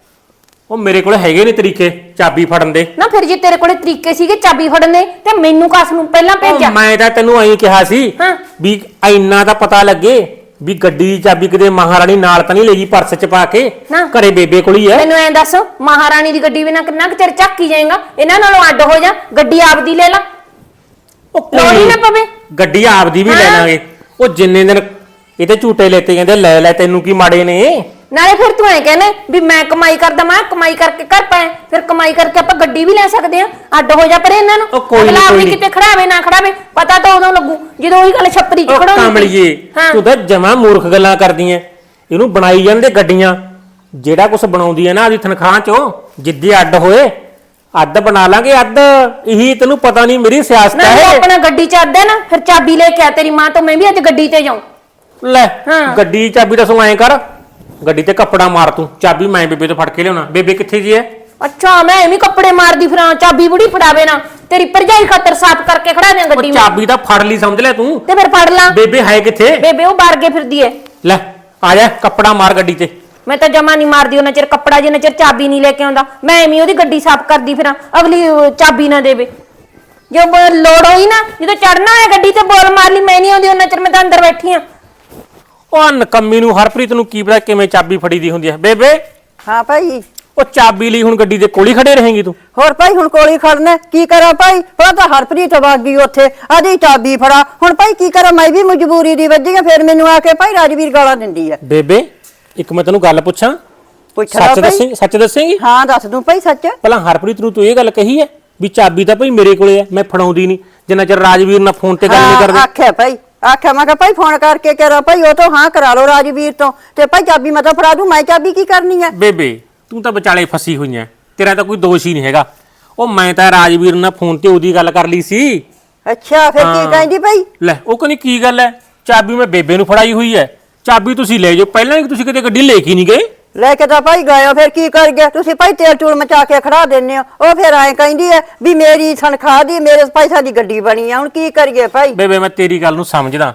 S4: ਉਹ ਮੇਰੇ ਕੋਲ ਹੈਗੇ ਨੇ ਤਰੀਕੇ ਚਾਬੀ ਫੜਨ ਦੇ।
S3: ਨਾ ਫਿਰ ਜੇ ਤੇਰੇ ਕੋਲੇ ਤਰੀਕੇ ਸੀਗੇ ਚਾਬੀ ਫੜਨ ਦੇ ਤੇ ਮੈਨੂੰ ਕਾਸ ਨੂੰ ਪਹਿਲਾਂ ਭੇਜਿਆ?
S4: ਉਹ ਮੈਂ ਤਾਂ ਤੈਨੂੰ ਐਂ ਕਿਹਾ ਸੀ
S3: ਹਾਂ।
S4: ਵੀ ਇੰਨਾ ਤਾਂ ਪਤਾ ਲੱਗੇ ਵੀ ਗੱਡੀ ਦੀ ਚਾਬੀ ਕਿਤੇ ਮਹਾਰਾਣੀ ਨਾਲ ਤਾਂ ਨਹੀਂ ਲੈ ਗਈ ਪਰਸ 'ਚ ਪਾ ਕੇ?
S3: ਨਾ।
S4: ਘਰੇ ਬੇਬੇ ਕੋਲ ਹੀ ਐ।
S3: ਮੈਨੂੰ ਐਂ ਦੱਸ ਮਹਾਰਾਣੀ ਦੀ ਗੱਡੀ ਬਿਨਾਂ ਕਿੰਨਾ ਕੁ ਚਿਰ ਝਾਕੀ ਜਾਏਗਾ? ਇਹਨਾਂ ਨਾਲੋਂ ਅੱਡ ਹੋ ਜਾ, ਗੱਡੀ ਆਪਦੀ ਲੈ ਲਾ।
S4: ਉਹ
S3: ਲੋੜ ਹੀ ਨਾ ਪਵੇ।
S4: ਗੱਡੀ ਆਪਦੀ ਵੀ ਲੈ
S3: ਹਾਂ।
S4: ਲਾਂਗੇ। ਉਹ ਜਿੰਨੇ ਦਿਨ ਇਹ ਤੇ ਝੂਟੇ ਲੈਤੇ ਜਾਂਦੇ ਲੈ ਲੈ, ਤੈਨੂੰ ਕੀ ਮਾੜੇ ਨੇ?
S3: ਨਾਲੇ ਫਿਰ ਤੂੰ ਐ ਕਹਿੰਦਾ ਵੀ ਮੈਂ ਕਮਾਈ ਕਰਦਾ, ਮੈਂ ਕਮਾਈ ਕਰਕੇ ਘਰ ਪਾਏ, ਫਿਰ ਕਮਾਈ ਕਰਕੇ ਆਪਾਂ ਗੱਡੀ ਵੀ ਲੈ ਸਕਦੇ ਆ। ਅੱਡ ਹੋ ਜਾ ਪਰੇ ਇਹਨਾਂ ਨੂੰ।
S4: ਉਹ ਕੋਈ ਨੀ,
S3: ਅਗਲਾ
S4: ਕੋਈ
S3: ਆਪਣੀ
S4: ਨੀ।
S3: ਕਿਤੇ ਖੜਾਵੇ ਨਾ ਖੜਾਵੇ ਪਤਾ ਤਾਂ ਉਦੋਂ ਲੱਗੂ ਜਦੋਂ ਉਹੀ ਗੱਲ ਛੱਪਰੀ ਚ
S4: ਉਹ
S3: ਖੜਾਉਣੀ।
S4: ਕਾਮਲੀਏ
S3: ਹਾਂ।
S4: ਤੂੰ ਤਾਂ ਜਮਾ ਮੂਰਖ ਗੱਲਾਂ ਕਰਦੀ ਐ। ਇਹਨੂੰ ਬਣਾਈ ਜਾਂਦੇ ਗੱਡੀਆਂ। ਜਿਹੜਾ ਕੁਝ ਬਣਾਉਂਦੀ ਐ ਨਾ ਆਦੀ ਤਨਖਾਹ ਚੋਂ, ਜਿੱਦੇ ਅੱਡ ਹੋਏ ਅੱਧ ਬਣਾ ਲਾਂਗੇ ਅੱਧ। ਇਹੀ ਤੈਨੂੰ ਪਤਾ ਨਹੀਂ ਮੇਰੀ ਸਿਆਸਤ
S3: ਨਾ ਜੇ
S4: ਹੈ।
S3: ਆਪਣਾ ਗੱਡੀ ਚ ਅੱਡ ਹੈ ਨਾ ਫਿਰ ਚਾਬੀ ਲੈ ਕੇ ਆ ਤੇਰੀ ਮਾਂ ਤੋਂ, ਮੈਂ ਵੀ ਅੱਜ ਗੱਡੀ ਤੇ ਜਾਉਂ।
S4: ਲੈ
S3: ਹਾਂ।
S4: ਗੱਡੀ ਦੀ ਚਾਬੀ ਤਾਂ ਸੋ ਐਂ ਕਰ, ਗੱਡੀ ਤੇ ਕੱਪੜਾ ਮਾਰ ਤੂੰ, ਚਾਬੀ ਮੈਂ ਬੇਬੇ ਤੋਂ ਫੜ ਕੇ ਲਿਆਉਣਾ। ਬੇਬੇ ਕਿੱਥੇ ਜੀ ਐ?
S3: ਅੱਛਾ ਮੈਂ ਐਵੇਂ ਕੱਪੜੇ ਮਾਰਦੀ ਫਿਰਾਂ, ਚਾਬੀ ਬੁੜੀ ਫੜਾਵੇ ਨਾ। ਤੇਰੀ ਭਰਜਾਈ ਖਾਤਰ ਸਾਫ਼ ਕਰਕੇ ਖੜਾ ਦਿਆਂ ਗੱਡੀ
S4: ਉਹ
S3: ਮੈਂ।
S4: ਚਾਬੀ ਤਾਂ ਫੜ ਲਈ ਸਮਝ ਲੈ ਤੂੰ।
S3: ਤੇ ਫਿਰ ਫੜ ਲਾ।
S4: ਬੇਬੇ ਹੈ ਕਿੱਥੇ?
S3: ਬੇਬੇ ਉਹ ਬਾਹਰ ਕੇ ਫਿਰਦੀ ਐ।
S4: ਲੈ ਆ ਜਾ, ਕੱਪੜਾ ਮਾਰ ਗੱਡੀ ਤੇ।
S3: ਮੈਂ ਤਾਂ ਜਮਾ ਨਹੀਂ ਮਾਰਦੀ ਉਹਨਾਂ ਚਿਰ ਕੱਪੜਾ, ਜਿੰਨਾ ਚਿਰ ਚਾਬੀ ਨਹੀਂ ਲੈ ਕੇ ਆਉਂਦਾ। ਮੈਂ ਐਵੇਂ ਉਹਦੀ ਗੱਡੀ ਸਾਫ਼ ਕਰਦੀ ਫਿਰਾਂ, ਅਗਲੀ ਚਾਬੀ ਨਾ ਦੇਵੇ। ਜੋ ਲੋੜ ਹੋਈ ਨਾ ਜਦੋਂ ਚੜਨਾ ਹੋਇਆ ਗੱਡੀ ਤੇ ਬੋਲ ਮਾਰ ਲਈ, ਮੈਂ ਨਹੀਂ ਆਉਂਦੀ ਉਹਨਾਂ ਚਿਰ, ਮੈਂ ਤਾਂ ਅੰਦਰ ਬੈਠੀ ਆ।
S4: ਉਹ ਨਕੰਮੀ ਨੂੰ ਹਰਪ੍ਰੀਤ ਨੂੰ ਕੀ ਪਤਾ ਕਿਵੇਂ ਚਾਬੀ ਫੜੀ ਦੀ ਹੁੰਦੀ ਹੈ। ਬੇਬੇ
S2: ਹਾਂ ਭਾਈ।
S4: ਉਹ ਚਾਬੀ ਲਈ ਹੁਣ ਗੱਡੀ ਦੇ ਕੋਲ ਹੀ ਖੜੇ ਰਹੇਂਗੀ ਤੂੰ?
S2: ਹੋਰ ਭਾਈ ਹੁਣ ਕੋਲੀ ਖੜਨਾ ਕੀ ਕਰਾਂ ਭਾਈ? ਪਹਿਲਾਂ ਤਾਂ ਹਰਪ੍ਰੀਤ ਵਗ ਗਈ ਉੱਥੇ, ਆਦੀ ਚਾਬੀ ਫੜਾ। ਹੁਣ ਭਾਈ ਕੀ ਕਰਾਂ, ਮੈਂ ਵੀ ਮਜਬੂਰੀ ਦੀ ਵੱਜੀ ਆ। ਫਿਰ ਮੈਨੂੰ ਆ ਕੇ ਭਾਈ ਰਾਜਵੀਰ ਗਾਲਾਂ ਦਿੰਦੀ ਆ।
S4: ਬੇਬੇ ਇੱਕ ਮੈਂ ਤੈਨੂੰ ਗੱਲ ਪੁੱਛਾਂ,
S2: ਪੁੱਛ ਲਾ
S4: ਸੱਚ
S2: ਭਾਈ।
S4: ਦੱਸੇਂਗੀ? ਸੱਚ ਦੱਸੇਂਗੀ?
S2: ਹਾਂ ਦੱਸ ਦੂੰ ਭਾਈ ਸੱਚ।
S4: ਪਹਿਲਾਂ ਹਰਪ੍ਰੀਤ ਨੂੰ ਤੂੰ ਇਹ ਗੱਲ ਕਹੀ ਹੈ ਵੀ ਚਾਬੀ ਤਾਂ ਭਾਈ ਮੇਰੇ ਕੋਲੇ ਹੈ, ਮੈਂ ਫੜਾਉਂਦੀ ਨਹੀਂ ਜਿੰਨਾ ਚਿਰ ਰਾਜਵੀਰ ਨਾਲ ਫੋਨ ਤੇ ਗੱਲ ਨਹੀਂ
S2: ਹਾਂ,
S4: ਕਰਦੇ।
S2: ਆਖਿਆ ਭਾਈ, ਆਖਿਆ ਮੈਂ ਕਿਹਾ ਭਾਈ ਫੋਨ ਕਰਕੇ ਕਰਾਂ ਭਾਈ ਉਹ ਤੋਂ ਹਾਂ ਕਰਾ ਲਓ ਰਾਜਵੀਰ ਤੋਂ, ਤੇ ਭਾਈ ਚਾਬੀ ਮੈਂ ਤਾਂ ਫੜਾ ਦੂੰ। ਮੈਂ ਚਾਬੀ ਕੀ ਕਰਨੀ ਹੈ?
S4: ਬੇਬੇ ਤੂੰ ਤਾਂ ਵਿਚਾਲੇ ਫਸੀ ਹੋਈ ਐ, ਤੇਰਾ ਤਾਂ ਕੋਈ ਦੋਸ਼ ਹੀ ਨਹੀਂ ਹੈਗਾ। ਉਹ ਮੈਂ ਤਾਂ ਰਾਜਵੀਰ ਨਾਲ ਫੋਨ ਤੇ ਉਹਦੀ ਗੱਲ ਕਰ ਲਈ ਸੀ।
S2: ਅੱਛਾ ਫਿਰ
S4: ਹਾਂ।
S2: ਕੀ ਕਹਿੰਦੀ ਭਾਈ?
S4: ਲੈ ਉਹ ਕਹਿੰਦੀ ਕੀ ਗੱਲ ਐ, ਚਾਬੀ ਮੈਂ ਬੇਬੇ ਨੂੰ ਫੜਾਈ ਹੋਈ ਐ, ਚਾਬੀ ਤੁਸੀਂ ਲੈ ਜਾਓ। ਪਹਿਲਾਂ ਹੀ ਤੁਸੀਂ ਕਿਤੇ ਗੱਡੀ ਲੈ ਕੇ ਨਹੀਂ ਗਏ।
S2: ਲੈ ਕੇ ਤਾਂ ਭਾਈ ਗਏ ਹੋ, ਫਿਰ ਕੀ ਕਰ ਗਏ ਤੁਸੀਂ ਭਾਈ? ਤੇਲ ਟੂਲ ਮਚਾ ਕੇ ਖੜਾ ਦਿੰਦੇ ਹੋ। ਉਹ ਫਿਰ ਐਂ ਕਹਿੰਦੀ ਹੈ ਵੀ ਮੇਰੀ ਤਨਖਾਹ ਦੀ ਮੇਰੇ ਪੈਸਾ ਦੀ ਗੱਡੀ ਬਣੀ ਆ, ਹੁਣ ਕੀ ਕਰੀਏ ਭਾਈ?
S4: ਬੇਬੇ ਮੈਂ ਤੇਰੀ ਗੱਲ ਨੂੰ ਸਮਝਦਾ,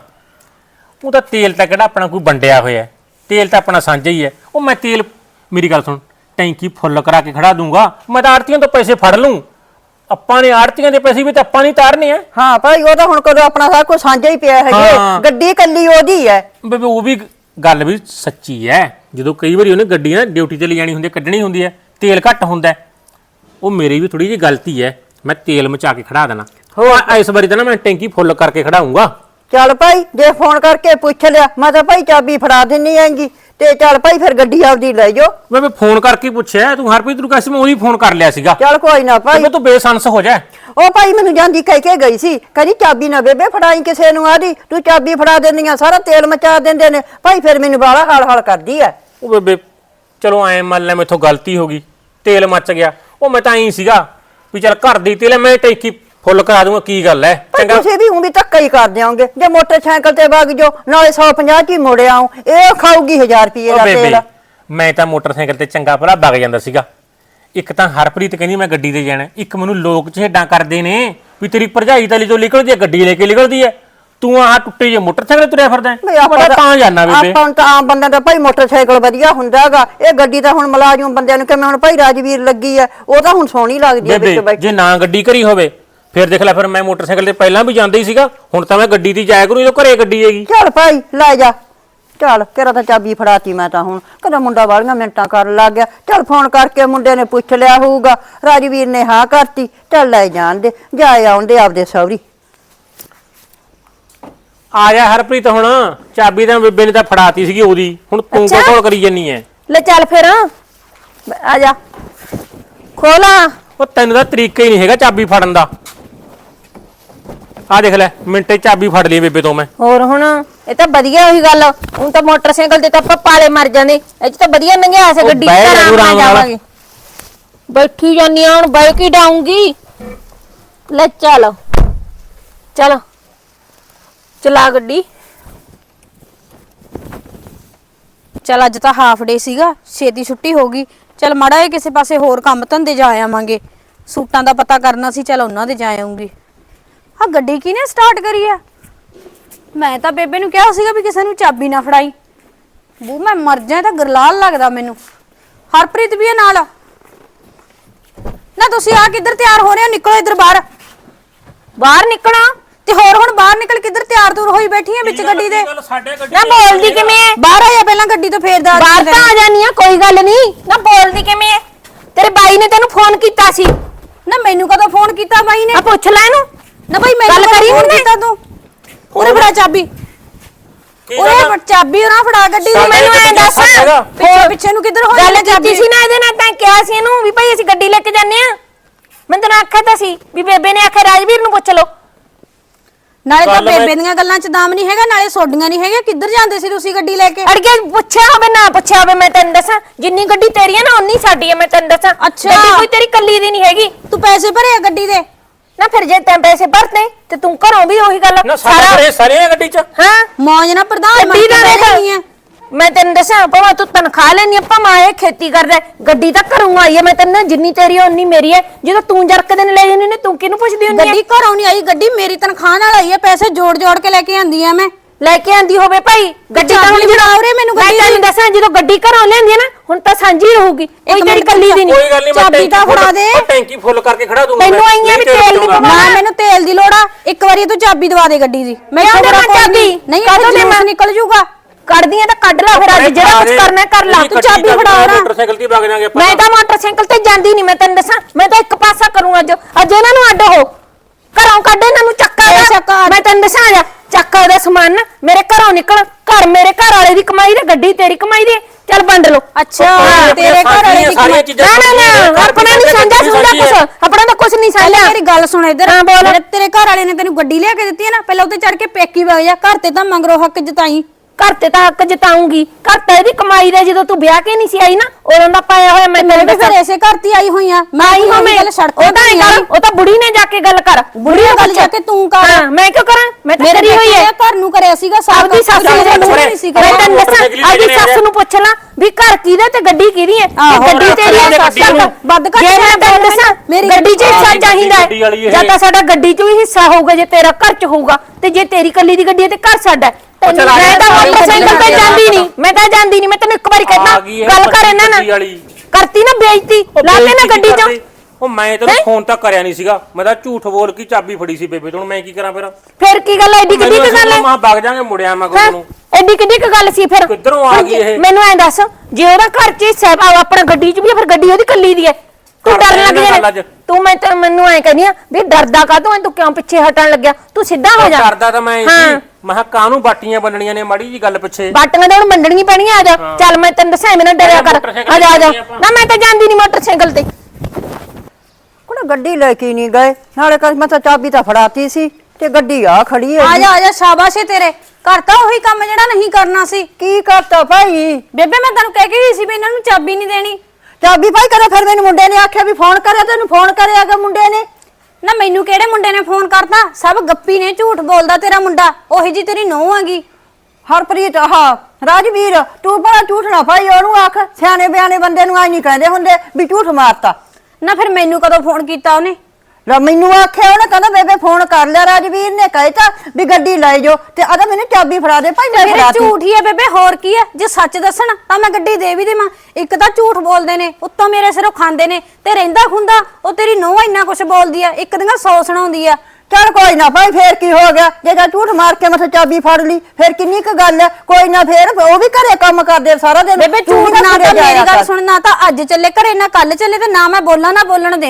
S4: ਉਹ ਤਾਂ ਤੇਲ ਤਾਂ ਕਿਹੜਾ ਆਪਣਾ ਕੋਈ ਵੰਡਿਆ ਹੋਇਆ, ਤੇਲ ਤਾਂ ਆਪਣਾ ਸਾਂਝਾ ਹੀ ਹੈ। ਉਹ ਮੈਂ ਤੇਲ, ਮੇਰੀ ਗੱਲ ਸੁਣ, ਟੈਂਕੀ ਫੁੱਲ ਕਰਾ ਕੇ ਖੜਾ ਦੂੰਗਾ। ਮੈਂ ਤਾਂ ਆੜਤੀਆਂ ਤੋਂ ਪੈਸੇ ਫੜ ਲੂੰ, ਆਪਾਂ ਨੇ ਆੜਤੀਆਂ ਦੇ ਪੈਸੇ ਵੀ ਤਾਂ ਆਪਾਂ ਨਹੀਂ ਤਾਰਨੇ ਆ।
S2: ਹਾਂ ਭਾਈ ਉਹ ਤਾਂ ਹੁਣ ਕਦੋਂ ਆਪਣਾ ਸਾਰਾ ਕੁਝ ਸਾਂਝਾ ਹੀ ਪਿਆ ਹੈਗੇ,
S4: ਹਾਂ।
S2: ਗੱਡੀ ਕੱਲੀ ਉਹਦੀ ਹੈ।
S4: ਬੇਬੇ ਉਹ ਵੀ ਗੱਲ ਵੀ ਸੱਚੀ ਹੈ। ਜਦੋਂ ਕਈ ਵਾਰੀ ਉਹਨੇ ਗੱਡੀ ਨਾ ਡਿਊਟੀ ਤੇ ਲੈ ਜਾਣੀ ਹੁੰਦੀ ਹੈ, ਕੱਢਣੀ ਹੁੰਦੀ ਹੈ, ਤੇਲ ਘੱਟ ਹੁੰਦਾ ਹੈ। ਉਹ ਮੇਰੀ ਵੀ ਥੋੜੀ ਜਿਹੀ ਗਲਤੀ ਹੈ, ਮੈਂ ਤੇਲ ਮਚਾ ਕੇ ਖੜਾ ਦੇਣਾ। ਹੋਰ ਇਸ ਵਾਰੀ ਤਾਂ ਨਾ ਮੈਂ ਟੈਂਕੀ ਫੁੱਲ ਕਰਕੇ ਖੜਾਉਂਗਾ।
S2: ਚੱਲ ਭਾਈ ਜੇ ਫੋਨ ਕਰਕੇ ਪੁੱਛ ਲਿਆ, ਮੈਂ ਤਾਂ ਭਾਈ ਚਾਬੀ ਫੜਾ ਦਿੰਨੀ ਹੈਗੀ, ਤੇ ਚੱਲ ਭਾਈ ਫਿਰ ਗੱਡੀ ਆਪਦੀ ਲੈ ਜਾਓ।
S4: ਮੈਂ ਫੋਨ ਕਰਕੇ ਪੁੱਛਿਆ, ਤੂੰ ਹਰਪ੍ਰੀਤ ਨੂੰ ਕੈਸੇ ਮੈਂ ਉਹੀ ਫੋਨ ਕਰ ਲਿਆ ਸੀਗਾ।
S2: ਚੱਲ ਕੋਈ ਨਾ ਭਾਈ।
S4: ਤੂੰ ਬੇਸੰਸ ਹੋ ਜਾ।
S2: ਉਹ ਭਾਈ ਮੈਨੂੰ ਜਾਂਦੀ ਕਹਿ ਕੇ ਗਈ ਸੀ, ਕਹਿੰਦੀ ਚਾਬੀ ਨਾ ਬੇਬੇ ਫੜਾਈ ਕਿਸੇ ਨੂੰ, ਆਦੀ ਤੂੰ ਚਾਬੀ ਫੜਾ ਦਿੰਦੀਆਂ ਸਾਰਾ ਤੇਲ ਮਚਾ ਦਿੰਦੇ ਨੇ ਭਾਈ। ਫਿਰ ਮੈਨੂੰ ਬਾਲਾ ਹਾਲ ਕਰਦੀ ਐ।
S4: ਉਹ ਬੇਬੇ ਚਲੋ ਐ ਮੰਨ ਲੈ ਮੇਥੋਂ ਗਲਤੀ ਹੋ ਗਈ, ਤੇਲ ਮੱਚ ਗਿਆ। ਉਹ ਮੈਂ ਤਾਂ ਐਂ ਸੀਗਾ ਵੀ ਚੱਲ ਘਰ ਦੀ ਤੇਲ ਮੈਂ ਟੈਂਕੀ ਫੁੱਲ ਕਰਾ ਦੂੰਗਾ, ਕੀ ਗੱਲ ਐ।
S2: ਭਾਈ ਤੁਸੀਂ ਵੀ ਵੀ ਧੱਕਾ ਹੀ ਕਰ ਦਿਓਗੇ, ਜੇ ਮੋਟਰਸਾਈਕਲ ਤੇ ਵਗ ਜਾਓ ਨਾਲੇ 150 ਚ ਹੀ ਮੁੜ ਆਉਂ, ਇਹ ਖਾਊਗੀ 1000 ਰੁਪਏ
S4: ਉਹ
S2: ਦਾ
S4: ਬੇਬੇ
S2: ਤੇਲ।
S4: ਮੈਂ ਤਾਂ ਮੋਟਰਸਾਈਕਲ ਤੇ ਚੰਗਾ ਭਲਾ ਵਗ ਜਾਂਦਾ ਸੀਗਾ। ਇੱਕ ਤਾਂ ਹਰਪ੍ਰੀਤ ਕਹਿੰਦੀ ਮੈਂ ਗੱਡੀ ਤੇ ਜਾਣਾ, ਇੱਕ ਮੈਨੂੰ ਲੋਕ ਝੇਡਾਂ ਕਰਦੇ ਨੇ ਵੀ ਤੇਰੀ ਭਰਜਾਈ ਤਾਂ ਜੋ ਨਿਕਲਦੀ ਹੈ ਗੱਡੀ ਲੈ ਕੇ ਨਿਕਲਦੀ ਹੈ, ਤੂੰ ਆਹ ਟੁੱਟੇ ਜੇ ਮੋਟਰਸਾਈਕਲ ਤੁਰਿਆ ਫਿਰਦਾ।
S2: ਆਪਾਂ
S4: ਤਾਂ ਜਾਣਾ ਬੇਬੇ।
S2: ਆਪਾਂ ਤਾਂ ਆਮ ਬੰਦਾ ਦਾ ਭਾਈ ਮੋਟਰਸਾਈਕਲ ਵਧੀਆ ਹੁੰਦਾਗਾ, ਇਹ ਗੱਡੀ ਤਾਂ ਹੁਣ ਮਲਾਜਮ ਬੰਦਿਆਂ ਨੂੰ ਕਿਵੇਂ ਹੁਣ ਭਾਈ ਰਾਜਵੀਰ ਲੱਗੀ ਐ, ਉਹ ਤਾਂ ਹੁਣ ਸੋਹਣੀ ਲੱਗਦੀ ਐ ਵਿੱਚ
S4: ਬੇਬੇ
S2: ਬੈਠੀ।
S4: ਜੇ ਨਾ ਗੱਡੀ ਘਰੀ ਹੋਵੇ ਫਿਰ ਦੇਖ ਲੈ, ਫਿਰ ਮੈਂ ਮੋਟਰਸਾਈਕਲ ਤੇ ਪਹਿਲਾਂ ਵੀ ਜਾਂਦਾ ਹੀ ਸੀਗਾ, ਹੁਣ ਤਾਂ ਮੈਂ ਗੱਡੀ ਤੇ ਜਾਇਆ ਕਰੂੰ ਜਦੋਂ ਘਰੇ ਗੱਡੀ ਹੈਗੀ।
S2: ਚੱਲ ਭਾਈ ਲੈ ਜਾ, ਚੱਲ ਤੇਰਾ ਤਾਂ ਚਾਬੀ ਫੜਾਤੀ ਮੈਂ ਤਾਂ। ਹੁਣ ਕਦਾ ਮੁੰਡਾ ਵਾਲੀਆਂ ਮਿੰਟਾਂ ਕਰਨ ਲੱਗ ਗਿਆ। ਚੱਲ ਫੋਨ ਕਰਕੇ ਮੁੰਡੇ ਨੇ ਪੁੱਛ ਲਿਆ ਹੋਊਗਾ, ਰਾਜਵੀਰ ਨੇ ਹਾਂ ਕਰਤੀ, ਚੱਲ ਲੈ ਜਾਣ ਦੇ, ਜਾ ਆਉਂਦੇ ਆਪਦੇ ਸਹੁਰੀ।
S4: ਆ ਜਾ ਹਰਪ੍ਰੀਤ, ਹੁਣ ਚਾਬੀ ਤਾਂ ਬੇਬੇ ਨੇ ਤਾਂ ਫੜਾਤੀ ਸੀਗੀ ਉਹਦੀ, ਹੁਣ ਤੂੰ
S3: ਅੱਛਾ।
S4: ਕੋਲ ਕਰੀ ਜੰਨੀ ਐ।
S3: ਲੈ ਚੱਲ ਫਿਰ ਆ ਜਾ ਖੋਲਾ।
S4: ਉਹ ਤੈਨੂੰ ਤਾਂ ਤਰੀਕਾ ਹੀ ਨਹੀਂ ਹੈਗਾ ਚਾਬੀ ਫੜਨ ਦਾ। ਆ ਦੇਖ ਲੈ ਮਿੰਟੇ ਚਾਬੀ ਫੜ ਲਈ ਬੇਬੇ ਤੋਂ ਮੈਂ।
S3: ਹੋਰ ਹੁਣ ਇਹ ਤਾਂ ਵਧੀਆ ਉਹੀ ਗੱਲ ਹੁਣ ਤਾਂ ਮੋਟਰਸਾਈਕਲ ਤੇ ਤਾਂ ਆਪਾਂ ਪਾਲੇ ਮਰ ਜਾਂਦੇ ਇਹ 'ਚ ਤਾਂ ਵਧੀਆ ਲੰਘਿਆ ਐ ਗੱਡੀ 'ਚ
S4: ਬਹਿ ਜਾ
S3: ਆਰਾਮ
S4: ਤੂੰ
S3: ਨਾਲ
S4: ਆਰਾਮ ਨਾਲ।
S3: ਜਾਵਾਂਗੇ ਬੈਠੀ ਜਾਨੀ ਆ ਹੁਣ ਬਾਈਕ ਹੀ ਡਾਉਂਗੀ ਲੈ ਚੱਲ ਚਲ ਚਲਾ ਗੱਡੀ
S1: ਚਲ ਅੱਜ ਤਾਂ ਹਾਫ ਡੇ ਸੀਗਾ, ਛੇਤੀ ਛੁੱਟੀ ਹੋ ਗਈ। ਚਲ ਮਾੜਾ ਜਿਹਾ ਕਿਸੇ ਪਾਸੇ ਹੋਰ ਕੰਮ ਧੰਦੇ ਜਾ ਆਵਾਂਗੇ। ਸੂਟਾਂ ਦਾ ਪਤਾ ਕਰਨਾ ਸੀ, ਚਲ ਉਹਨਾਂ ਦੇ ਜਾ ਆਉਂਗੀ। ਆ ਗੱਡੀ ਕਿਹਨੇ ਸਟਾਰਟ ਕਰੀ ਆ? ਮੈਂ ਤਾਂ ਬੇਬੇ ਨੂੰ ਕਿਹਾ ਸੀਗਾ ਵੀ ਕਿਸੇ ਨੂੰ ਚਾਬੀ ਨਾ ਫੜਾਈ। ਬੂ ਮੈਂ ਮਰ ਜਾ, ਤਾਂ ਗਰਲਾਲ ਲੱਗਦਾ ਮੈਨੂੰ। ਹਰਪ੍ਰੀਤ ਵੀ ਹੈ ਨਾਲ। ਨਾ ਤੁਸੀਂ ਆ ਕਿੱਧਰ ਤਿਆਰ ਹੋ ਰਹੇ ਹੋ? ਨਿਕਲੋ ਇੱਧਰ ਬਾਹਰ।
S3: ਬਾਹਰ ਨਿਕਲਣਾ
S1: ਤੇ ਹੋਰ ਹੁਣ ਬਾਹਰ ਨਿਕਲ ਕਿੱਧਰ ਤਿਆਰ ਤੁਰ ਹੋਈ ਬੈਠੀ ਆ ਵਿੱਚ ਗੱਡੀ ਦੇ?
S3: ਨਾ ਬੋਲਦੀ ਕਿਵੇਂ ਐ
S1: ਬਾਹਰ ਆ ਜਾ ਪਹਿਲਾਂ ਗੱਡੀ ਤੋਂ ਫੇਰ ਦਾ
S3: ਬਾਹਰ ਤਾਂ ਆ ਜਾਨੀ ਆ ਕੋਈ ਗੱਲ ਨਹੀਂ ਨਾ ਬੋਲਦੀ ਕਿਵੇਂ ਐ ਤੇਰੇ ਬਾਈ ਨੇ ਤੈਨੂੰ ਫੋਨ ਕੀਤਾ ਸੀ
S1: ਨਾ ਮੈਨੂੰ ਕਦੋਂ ਫੋਨ ਕੀਤਾ ਬਾਈ ਨੇ?
S3: ਆ ਪੁੱਛ ਲੈ ਇਹਨੂੰ
S1: ਨਾ ਬਾਈ ਮੈਨੂੰ
S3: ਗੱਲ ਕਰੀ
S1: ਫੋਨ
S3: ਉਹਨੇ।
S1: ਕੀਤਾ ਤੂੰ? ਉਹਨੇ ਫੜਾ ਚਾਬੀ, ਉਹਨੇ ਚਾਬੀ ਉਹਨਾਂ ਫੜਾ ਗੱਡੀ ਦੀ। ਮੈਨੂੰ ਐਂ ਦੱਸ ਪਿੱਛੇ ਪਿੱਛੇ ਨੂੰ ਕਿੱਧਰ ਹੋਈ
S3: ਗੱਲ ਕੀਤੀ ਸੀ ਨਾ ਇਹਦੇ ਨਾਲ ਤਾਂ ਕਿਹਾ ਸੀ ਇਹਨੂੰ ਵੀ ਭਾਈ ਅਸੀਂ ਗੱਡੀ ਲੈ ਕੇ ਜਾਂਦੇ ਆ ਮੈਂ ਤੈਨੂੰ ਆਖਿਆ ਤਾਂ ਸੀ ਵੀ ਬੇਬੇ ਨੇ ਆਖਿਆ ਰਾਜਵੀਰ ਨੂੰ ਪੁੱਛ ਲਓ
S1: ਨਾਲੇ ਤਾਂ ਬੇਬੇ ਦੀਆਂ ਗੱਲਾਂ 'ਚ ਦਾਮ ਨਹੀਂ ਹੈਗਾ, ਨਾਲੇ ਸੋਡੀਆਂ ਨਹੀਂ ਹੈਗੀਆਂ। ਕਿੱਧਰ ਜਾਂਦੇ ਸੀ ਤੁਸੀਂ ਗੱਡੀ ਲੈ ਕੇ?
S3: ਅੜਗੇ ਪੁੱਛਿਆ ਹੋਵੇ ਨਾ ਪੁੱਛਿਆ ਹੋਵੇ ਮੈਂ ਤੈਨੂੰ ਦੱਸਾਂ ਜਿੰਨੀ ਗੱਡੀ ਤੇਰੀ ਹੈ ਨਾ ਉਨੀ ਸਾਡੀ ਹੈ ਮੈਂ ਤੈਨੂੰ ਦੱਸਾਂ
S1: ਅੱਛਾ।
S3: ਗੱਡੀ ਕੋਈ ਤੇਰੀ ਕੱਲੀ ਦੀ ਨਹੀਂ ਹੈਗੀ
S1: ਤੂੰ ਪੈਸੇ ਭਰੇ ਆ ਗੱਡੀ ਦੇ?
S3: ਨਾ ਫਿਰ ਜੇ ਤੈਂ ਪੈਸੇ ਭਰਤੇ ਤੇ ਤੂੰ ਘਰੋਂ ਵੀ ਉਹੀ ਗੱਲ
S4: ਨਾ ਸਾਰੇ ਸਾਰੇ ਗੱਡੀ 'ਚ
S3: ਹਾਂ
S1: ਮੌਜ ਨਾ ਪ੍ਰਧਾਨ
S3: ਗੱਡੀ ਦਾ
S1: ਮੰਤਰੀ
S3: ਦੇਖ
S1: ਨਹੀਂ ਹੈ।
S3: ਮੈਂ ਤੈਨੂੰ ਦੱਸਾਂ ਭਾਵੇਂ ਤੂੰ ਤਨਖਾਹ ਲੈਣੀ ਆਪਾਂ ਮਾਏ ਖੇਤੀ ਕਰਦਾ ਗੱਡੀ ਤਾਂ ਘਰੋਂ ਆਈ ਹੈ ਮੈਂ ਤੈਨੂੰ ਜਿੰਨੀ ਤੇਰੀ ਉਨੀ ਮੇਰੀ ਹੈ ਜਦੋਂ ਤੂੰ ਜਰਕ ਦਿਨ ਲੈ ਜਾਂਦੀ ਨੇ ਤੂੰ ਕਿਹਨੂੰ ਪੁੱਛਦੀ ਹੁੰਦੀ
S1: ਗੱਡੀ ਘਰੋਂ ਨਹੀਂ ਆਈ, ਗੱਡੀ ਮੇਰੀ ਤਨਖਾਹ ਨਾਲ ਆਈ ਹੈ। ਪੈਸੇ ਜੋੜ ਜੋੜ ਕੇ ਲੈ ਕੇ ਆਂਦੀ ਆ ਮੈਂ।
S3: ਲੈ ਕੇ ਆਂਦੀ ਹੋਵੇ ਭਾਈ ਗੱਡੀ ਤਾਂ
S1: ਚਾਬੀ
S3: ਹੁਣ
S1: ਫੜਾ ਉਰੇ ਮੈਨੂੰ ਗੱਡੀ
S3: ਮੈਂ ਤੈਨੂੰ
S1: ਦੀ।
S3: ਦੱਸਾਂ ਜਦੋਂ ਗੱਡੀ ਘਰੋਂ ਲੈਂਦੀ ਹੈ ਨਾ ਹੁਣ ਤਾਂ ਸਾਂਝੀ ਰਹੂਗੀ ਕੋਈ ਤੇਰੀ ਕੱਲੀ ਦੀ ਨਹੀਂ
S4: ਕੋਈ ਗੱਲ ਨਹੀਂ,
S1: ਚਾਬੀ ਤਾਂ ਫੜਾ ਦੇ।
S4: ਟੈਂਕੀ ਫੁੱਲ ਕਰਕੇ ਖੜਾ ਦੂੰਗਾ।
S3: ਤੈਨੂੰ ਆਈਆਂ ਵੀ ਤੇਲ ਦੀ
S1: ਨਾ ਮੈਨੂੰ ਤੇਲ ਦੀ ਲੋੜ ਆ, ਇੱਕ ਵਾਰੀ ਤੂੰ ਚਾਬੀ ਦਵਾ ਦੇ ਗੱਡੀ ਦੀ। ਮੈਂ
S3: ਕਿਉਂ ਦੇਵਾਂ ਚਾਬੀ?
S1: ਨਹੀਂ
S3: ਕਦੋਂ
S1: ਕਦੋਂ
S3: ਦੇਵਾਂ?
S1: ਨਿਕਲ ਜੂਗਾ।
S3: ਕੱਢਦੀ ਆ ਤਾਂ ਕੱਢ ਲੈ ਫਿਰ ਅੱਜ ਜਿਹੜਾ ਕੁਝ ਕਰਨਾ ਕਰ ਲਾ
S1: ਤੂੰ ਚਾਬੀ ਫੜਾ ਨਾ।
S4: ਮੋਟਰਸਾਈਕਲ ਤੇ ਵਗ ਜਾਾਂਗੇ ਆਪਾਂ।
S3: ਮੈਂ ਤਾਂ ਮੋਟਰਸਾਈਕਲ ਤੇ ਜਾਂਦੀ ਨਹੀਂ ਮੈਂ ਤੈਨੂੰ ਦੱਸਾਂ ਮੈਂ ਤਾਂ ਇੱਕ ਪਾਸਾ ਕਰੂੰ ਅੱਜ ਇਹਨਾਂ ਨੂੰ ਅੱਡ ਹੋ ਘਰੋਂ ਕੱਢ ਇਹਨਾਂ ਨੂੰ ਚੱਕਾ ਮੈਂ ਤੈਨੂੰ ਦੱਸਾਂ ਜਾ ਚੱਕਾ ਉਹਦਾ ਸਮਾਨ ਨਾ ਮੇਰੇ ਘਰੋਂ ਨਿਕਲ ਘਰ ਮੇਰੇ ਘਰ ਵਾਲੇ ਦੀ ਕਮਾਈ ਤੇ ਗੱਡੀ ਤੇਰੀ ਕਮਾਈ ਦੀ ਚੱਲ ਵੰਡ ਲਓ
S1: ਅੱਛਾ ਤੇਰੇ ਘਰ ਵਾਲੇ ਦੀ
S4: ਸਾਰੀਆਂ ਚੀਜ਼ਾਂ
S3: ਨਾ ਆਪਣਾ ਨਹੀਂ ਸਾਂਝਾ ਸੁਣਦਾ ਕੁਛ ਆਪਣਾ ਤਾਂ ਕੁਛ ਨਹੀਂ
S1: ਪਹਿਲਾਂ
S3: ਸਾਂਝਾ
S1: ਮੇਰੀ ਗੱਲ ਸੁਣ ਇੱਧਰ।
S3: ਹਾਂ, ਬੋਲ।
S1: ਜਿਹੜੇ ਤੇਰੇ ਘਰ ਵਾਲੇ ਨੇ ਤੈਨੂੰ ਗੱਡੀ ਲਿਆ ਕੇ ਦਿੱਤੀ ਹੈ ਨਾ, ਪਹਿਲਾਂ ਉੱਤੇ ਚੜ ਕੇ ਪੇਕੀ ਵਗ ਜਾ। ਘਰ ਤੇ ਤਾਂ ਮੰਗਰੋ ਹੱਕ ਜਤਾਈ।
S3: ਘਰ ਤੇ ਤਾਂ ਹੱਕ ਜਤਾਉਂਗੀ ਘਰ ਤਾਂ ਇਹਦੀ ਕਮਾਈ ਦਾ ਜਦੋਂ ਤੂੰ ਵਿਆਹ ਕੇ ਨਹੀਂ ਸੀ ਆਈ ਨਾ ਉਦੋਂ ਦਾ ਪਾਇਆ ਹੋਇਆ ਮੈਂ
S1: ਮੈਂ
S3: ਤੈਨੂੰ
S1: ਵੀ
S3: ਦੱਸਾਂ
S1: ਫਿਰ ਐਸੇ ਘਰ ਤੇ ਆਈ ਹੋਈ ਆ। ਮੈਂ
S3: ਆਈ
S1: ਹੀ
S3: ਹੋਵੇਂ
S1: ਗੱਲ ਸੜਕ
S3: ਉਹ ਤਾਂ ਉਹ ਤਾਂ ਬੁੜੀ ਨੇ ਜਾ ਕੇ ਗੱਲ ਕਰ
S1: ਬੁੜੀ ਨਾਲ ਗੱਲ ਜਾ ਕੇ ਤੂੰ ਕਰ।
S3: ਹਾਂ ਮੈਂ ਕਿਉਂ ਕਰਾਂ ਮੈਂ ਤਾਂ
S1: ਮੇਰੇ
S3: ਕਰੀ ਹੋਈ ਹੈ
S1: ਘਰ ਨੂੰ ਕਰਿਆ ਸੀਗਾ ਸਾਰਾ।
S3: ਆਪਦੀ ਸੱਸ ਨੂੰ
S1: ਨਹੀਂ ਸੀ
S3: ਮੈਂ ਤੈਨੂੰ ਦੱਸਾਂ ਆਪਦੀ ਸੱਸ ਨੂੰ ਪੁੱਛ ਲਾ ਵੀ ਘਰ ਕਿਹਦਾ ਤੇ ਗੱਡੀ ਕਿਹਦੀ ਹੈ
S1: ਆਹੋ,
S3: ਗੱਡੀ ਤੇਰੀ ਹੈ
S4: ਗੱਡੀ ਨੂੰ
S3: ਵੱਧ ਘੱਟ ਜੇ ਮੈਂ ਤੈਨੂੰ ਦੱਸਾਂ
S1: ਮੇਰੀ
S3: ਗੱਡੀ 'ਚ ਹਿੱਸਾ ਚਾਹੀਦਾ
S4: ਗੱਡੀ ਵਾਲੀ ਇਹ।
S3: ਜਾਂ ਤਾਂ ਸਾਡਾ ਗੱਡੀ 'ਚ ਵੀ ਹਿੱਸਾ ਹੋਊਗਾ ਜੇ ਤੇਰਾ ਘਰ 'ਚ ਹੋਊਗਾ ਤੇ ਜੇ ਤੇਰੀ ਕੱਲੀ ਦੀ ਗੱਡੀ ਹੈ ਤੇ ਘਰ ਸਾਡਾ ਹੈ।
S4: ਚੱਲ ਆ
S3: ਮੈਂ ਤਾਂ
S4: ਜਾ,
S3: ਮੋਟਰਸਾਈਕਲ ਤੇ ਜਾਂਦੀ ਨਹੀਂ ਮੈਂ ਤਾਂ ਜਾਂਦੀ ਨਹੀਂ ਮੈਂ ਤੈਨੂੰ ਇੱਕ ਵਾਰੀ
S4: ਆ
S3: ਕਹਿਣਾ
S4: ਗਈ ਇਹ
S3: ਗੱਲ ਕਰ ਇਹਨਾਂ
S4: ਗੱਡੀ
S3: ਨਾਲ
S4: ਵਾਲੀ।
S3: ਕਰਤੀ ਨਾ ਬੇਇੱਜ਼ਤੀ ਲਾ ਕੇ ਨਾ ਗੱਡੀ 'ਚ
S4: ਉਹ ਮੈਂ ਤੈਨੂੰ ਫੋਨ ਤਾਂ ਕਰਿਆ ਨਹੀਂ ਸੀਗਾ, ਮੈਂ ਤਾਂ ਝੂਠ ਬੋਲ ਕੇ ਚਾਬੀ ਫੜੀ ਸੀ ਬੇਬੇ ਤੋਂ। ਹੁਣ ਮੈਂ ਕੀ ਕਰਾਂ ਫਿਰ?
S3: ਫਿਰ ਕੀ ਗੱਲ ਐਡੀ ਕਿੱਡੀ ਕੁ ਗੱਲ ਹੈ
S4: ਮਾਂ ਵਗ ਜਾਾਂਗੇ ਮੁੜਿਆ ਮੈਂ
S3: ਹੈਂ?
S4: ਨੂੰ।
S3: ਐਡੀ ਕਿੱਡੀ ਕੁ ਗੱਲ ਸੀ ਫਿਰ
S4: ਕਿੱਧਰੋਂ ਆ ਗਈ ਇਹ?
S3: ਮੈਨੂੰ ਐਂ ਦੱਸ ਜੇ ਉਹਦਾ ਘਰ 'ਚ ਹਿੱਸਾ ਹੈ, ਆਪਣਾ ਗੱਡੀ 'ਚ ਵੀ ਹੈ, ਫਿਰ ਗੱਡੀ ਉਹਦੀ ਕੱਲੀ ਦੀ ਹੈ ਤੂੰ
S4: ਕਰਦੇ
S3: ਡਰਨ ਲੱਗ
S4: ਇਹਨਾਂ ਗੱਲ
S3: ਜਾ
S4: ਅੱਜ।
S3: ਤੂੰ ਮੈਨੂੰ ਐਂ ਕਹਿੰਦੀ ਆ ਵੀ ਡਰਦਾ ਕਾਹਤੋਂ ਤੂੰ ਕਿਉਂ ਪਿੱਛੇ ਹਟਣ ਲੱਗਿਆ ਤੂੰ ਸਿੱਧਾ ਹੋ ਜਾ
S4: ਕਰਦਾ ਤਾਂ ਮੈਂ ਸੀ ਮੈਂ ਕਾਹਨੂੰ ਬਾਟੀਆਂ ਬੰਨਣੀਆਂ ਨੇ ਮਾੜੀ ਜੀ ਗੱਲ ਪਿੱਛੇ।
S3: ਬਾਟੀਆਂ ਤਾਂ ਹੁਣ ਮੰਡਣੀ ਪੈਣੀਆਂ ਆ ਜਾ ਚੱਲ ਮੈਂ ਤੈਨੂੰ ਦੱਸਾਂ ਮੈਨੂੰ ਡਰਿਆ ਕਰ ਆ ਜਾ ਨਾ ਮੈਂ ਤਾਂ ਜਾਂਦੀ ਨਹੀਂ ਮੋਟਰਸਾਈਕਲ ਤੇ
S2: ਕੋਣ ਗੱਡੀ ਲੈ ਕੇ ਨਹੀਂ ਗਏ ਨਾਲੇ ਕਦ ਮੈਂ ਤਾਂ ਚਾਬੀ ਤਾਂ ਫੜਾਤੀ ਸੀ ਤੇ ਗੱਡੀ ਆ ਖੜੀ ਹੈ
S1: ਆ ਜਾ ਸ਼ਾਬਾਸ਼ ਏ ਤੇਰੇ। ਘਰ ਤਾਂ ਉਹੀ ਕੰਮ ਜਿਹੜਾ ਨਹੀਂ ਕਰਨਾ ਸੀ।
S2: ਕੀ ਕਰਤਾ ਭਾਈ?
S1: ਬੇਬੇ ਮੈਂ ਤੈਨੂੰ ਕਹਿ ਕੇ ਗਈ ਸੀ ਵੀ ਇਹਨਾਂ ਨੂੰ ਚਾਬੀ ਨਹੀਂ ਦੇਣੀ।
S2: ਚਾਬੀ ਭਾਈ ਕਦੋਂ ਫਿਰ ਮੈਨੂੰ ਮੁੰਡੇ ਨੇ ਆਖਿਆ ਵੀ ਫੋਨ ਕਰਿਆ ਤੈਨੂੰ ਫੋਨ ਕਰਿਆਗਾ ਮੁੰਡੇ ਨੇ।
S1: ਨਾ ਮੈਨੂੰ ਕਿਹੜੇ ਮੁੰਡੇ ਨੇ ਫੋਨ ਕਰਤਾ? ਸਭ ਗੱਪੀ ਨੇ, ਝੂਠ ਬੋਲਦਾ ਤੇਰਾ ਮੁੰਡਾ। ਉਹੀ ਜੀ ਤੇਰੀ ਨੂੰਹ ਹੈਗੀ
S2: ਹਰਪ੍ਰੀਤ ਰਾਜਵੀਰ ਤੂੰ ਬੜਾ ਝੂਠ ਨਾ ਭਾਈ ਉਹਨੂੰ ਆਖ। ਸਿਆਣੇ ਬਿਆਣੇ ਬੰਦੇ ਨੂੰ ਆਈ ਨਹੀਂ ਕਹਿੰਦੇ ਹੁੰਦੇ ਵੀ ਝੂਠ ਮਾਰਤਾ।
S1: ਨਾ ਫਿਰ ਮੈਨੂੰ ਕਦੋਂ ਫੋਨ ਕੀਤਾ ਉਹਨੇ?
S2: ਮੈਨੂੰ ਆਖਿਆ ਉਹਨੇ ਕਹਿੰਦਾ ਬੇਬੇ ਫੋਨ ਕਰ ਲਿਆ ਰਾਜਵੀਰ ਨੇ ਕਹਿਤਾ ਵੀ ਗੱਡੀ ਲੈ ਜਾਓ ਤੇ ਆਦਾ ਮੈਨੂੰ ਚਾਬੀ ਫੜਾ ਦੇ ਭਾਈ ਮੈਂ
S1: ਫਿਰ
S2: ਫੜਾਤੀ।
S1: ਝੂਠ ਹੀ ਹੈ ਬੇਬੇ, ਹੋਰ ਕੀ ਹੈ? ਜੇ ਸੱਚ ਦੱਸਣ ਤਾਂ ਮੈਂ ਗੱਡੀ ਦੇ ਵੀ ਦੇਵਾਂ। ਇੱਕ ਤਾਂ ਝੂਠ ਬੋਲਦੇ ਨੇ, ਉੱਤੋਂ ਮੇਰੇ ਸਿਰੋਂ ਖਾਂਦੇ ਨੇ ਤੇ ਰਹਿੰਦਾ ਖੁੰਦਾ ਉਹ ਤੇਰੀ ਨੂੰਹ ਇੰਨਾ ਕੁਝ ਬੋਲਦੀ ਆ, ਇੱਕ ਦੀਆਂ 100 ਸੁਣਾਉਂਦੀ ਆ।
S2: ਚੱਲ ਕੋਈ ਨਾ ਭਾਈ ਫੇਰ ਕੀ ਹੋ ਗਿਆ ਜੇ ਤਾਂ ਝੂਠ ਮਾਰ ਕੇ ਮੈਂ ਚਾਬੀ ਫੜ ਲਈ ਫਿਰ ਕਿੰਨੀ ਕੁ ਗੱਲ ਹੈ। ਕੋਈ ਨਾ ਫੇਰ ਉਹ ਵੀ ਘਰੇ ਕੰਮ ਕਰਦੇ ਸਾਰਾ ਦਿਨ।
S1: ਬੇਬੇ ਝੂਠ ਨਾ ਤਾਂ ਮੇਰੀ ਗੱਲ ਸੁਣ, ਨਾ ਤਾਂ ਅੱਜ ਚੱਲੇ ਘਰੇ ਨਾ ਕੱਲ ਚੱਲੇ ਤੇ ਨਾ ਮੈਂ ਬੋਲਾਂ ਨਾ ਬੋਲਣ ਦੇਵਾਂ।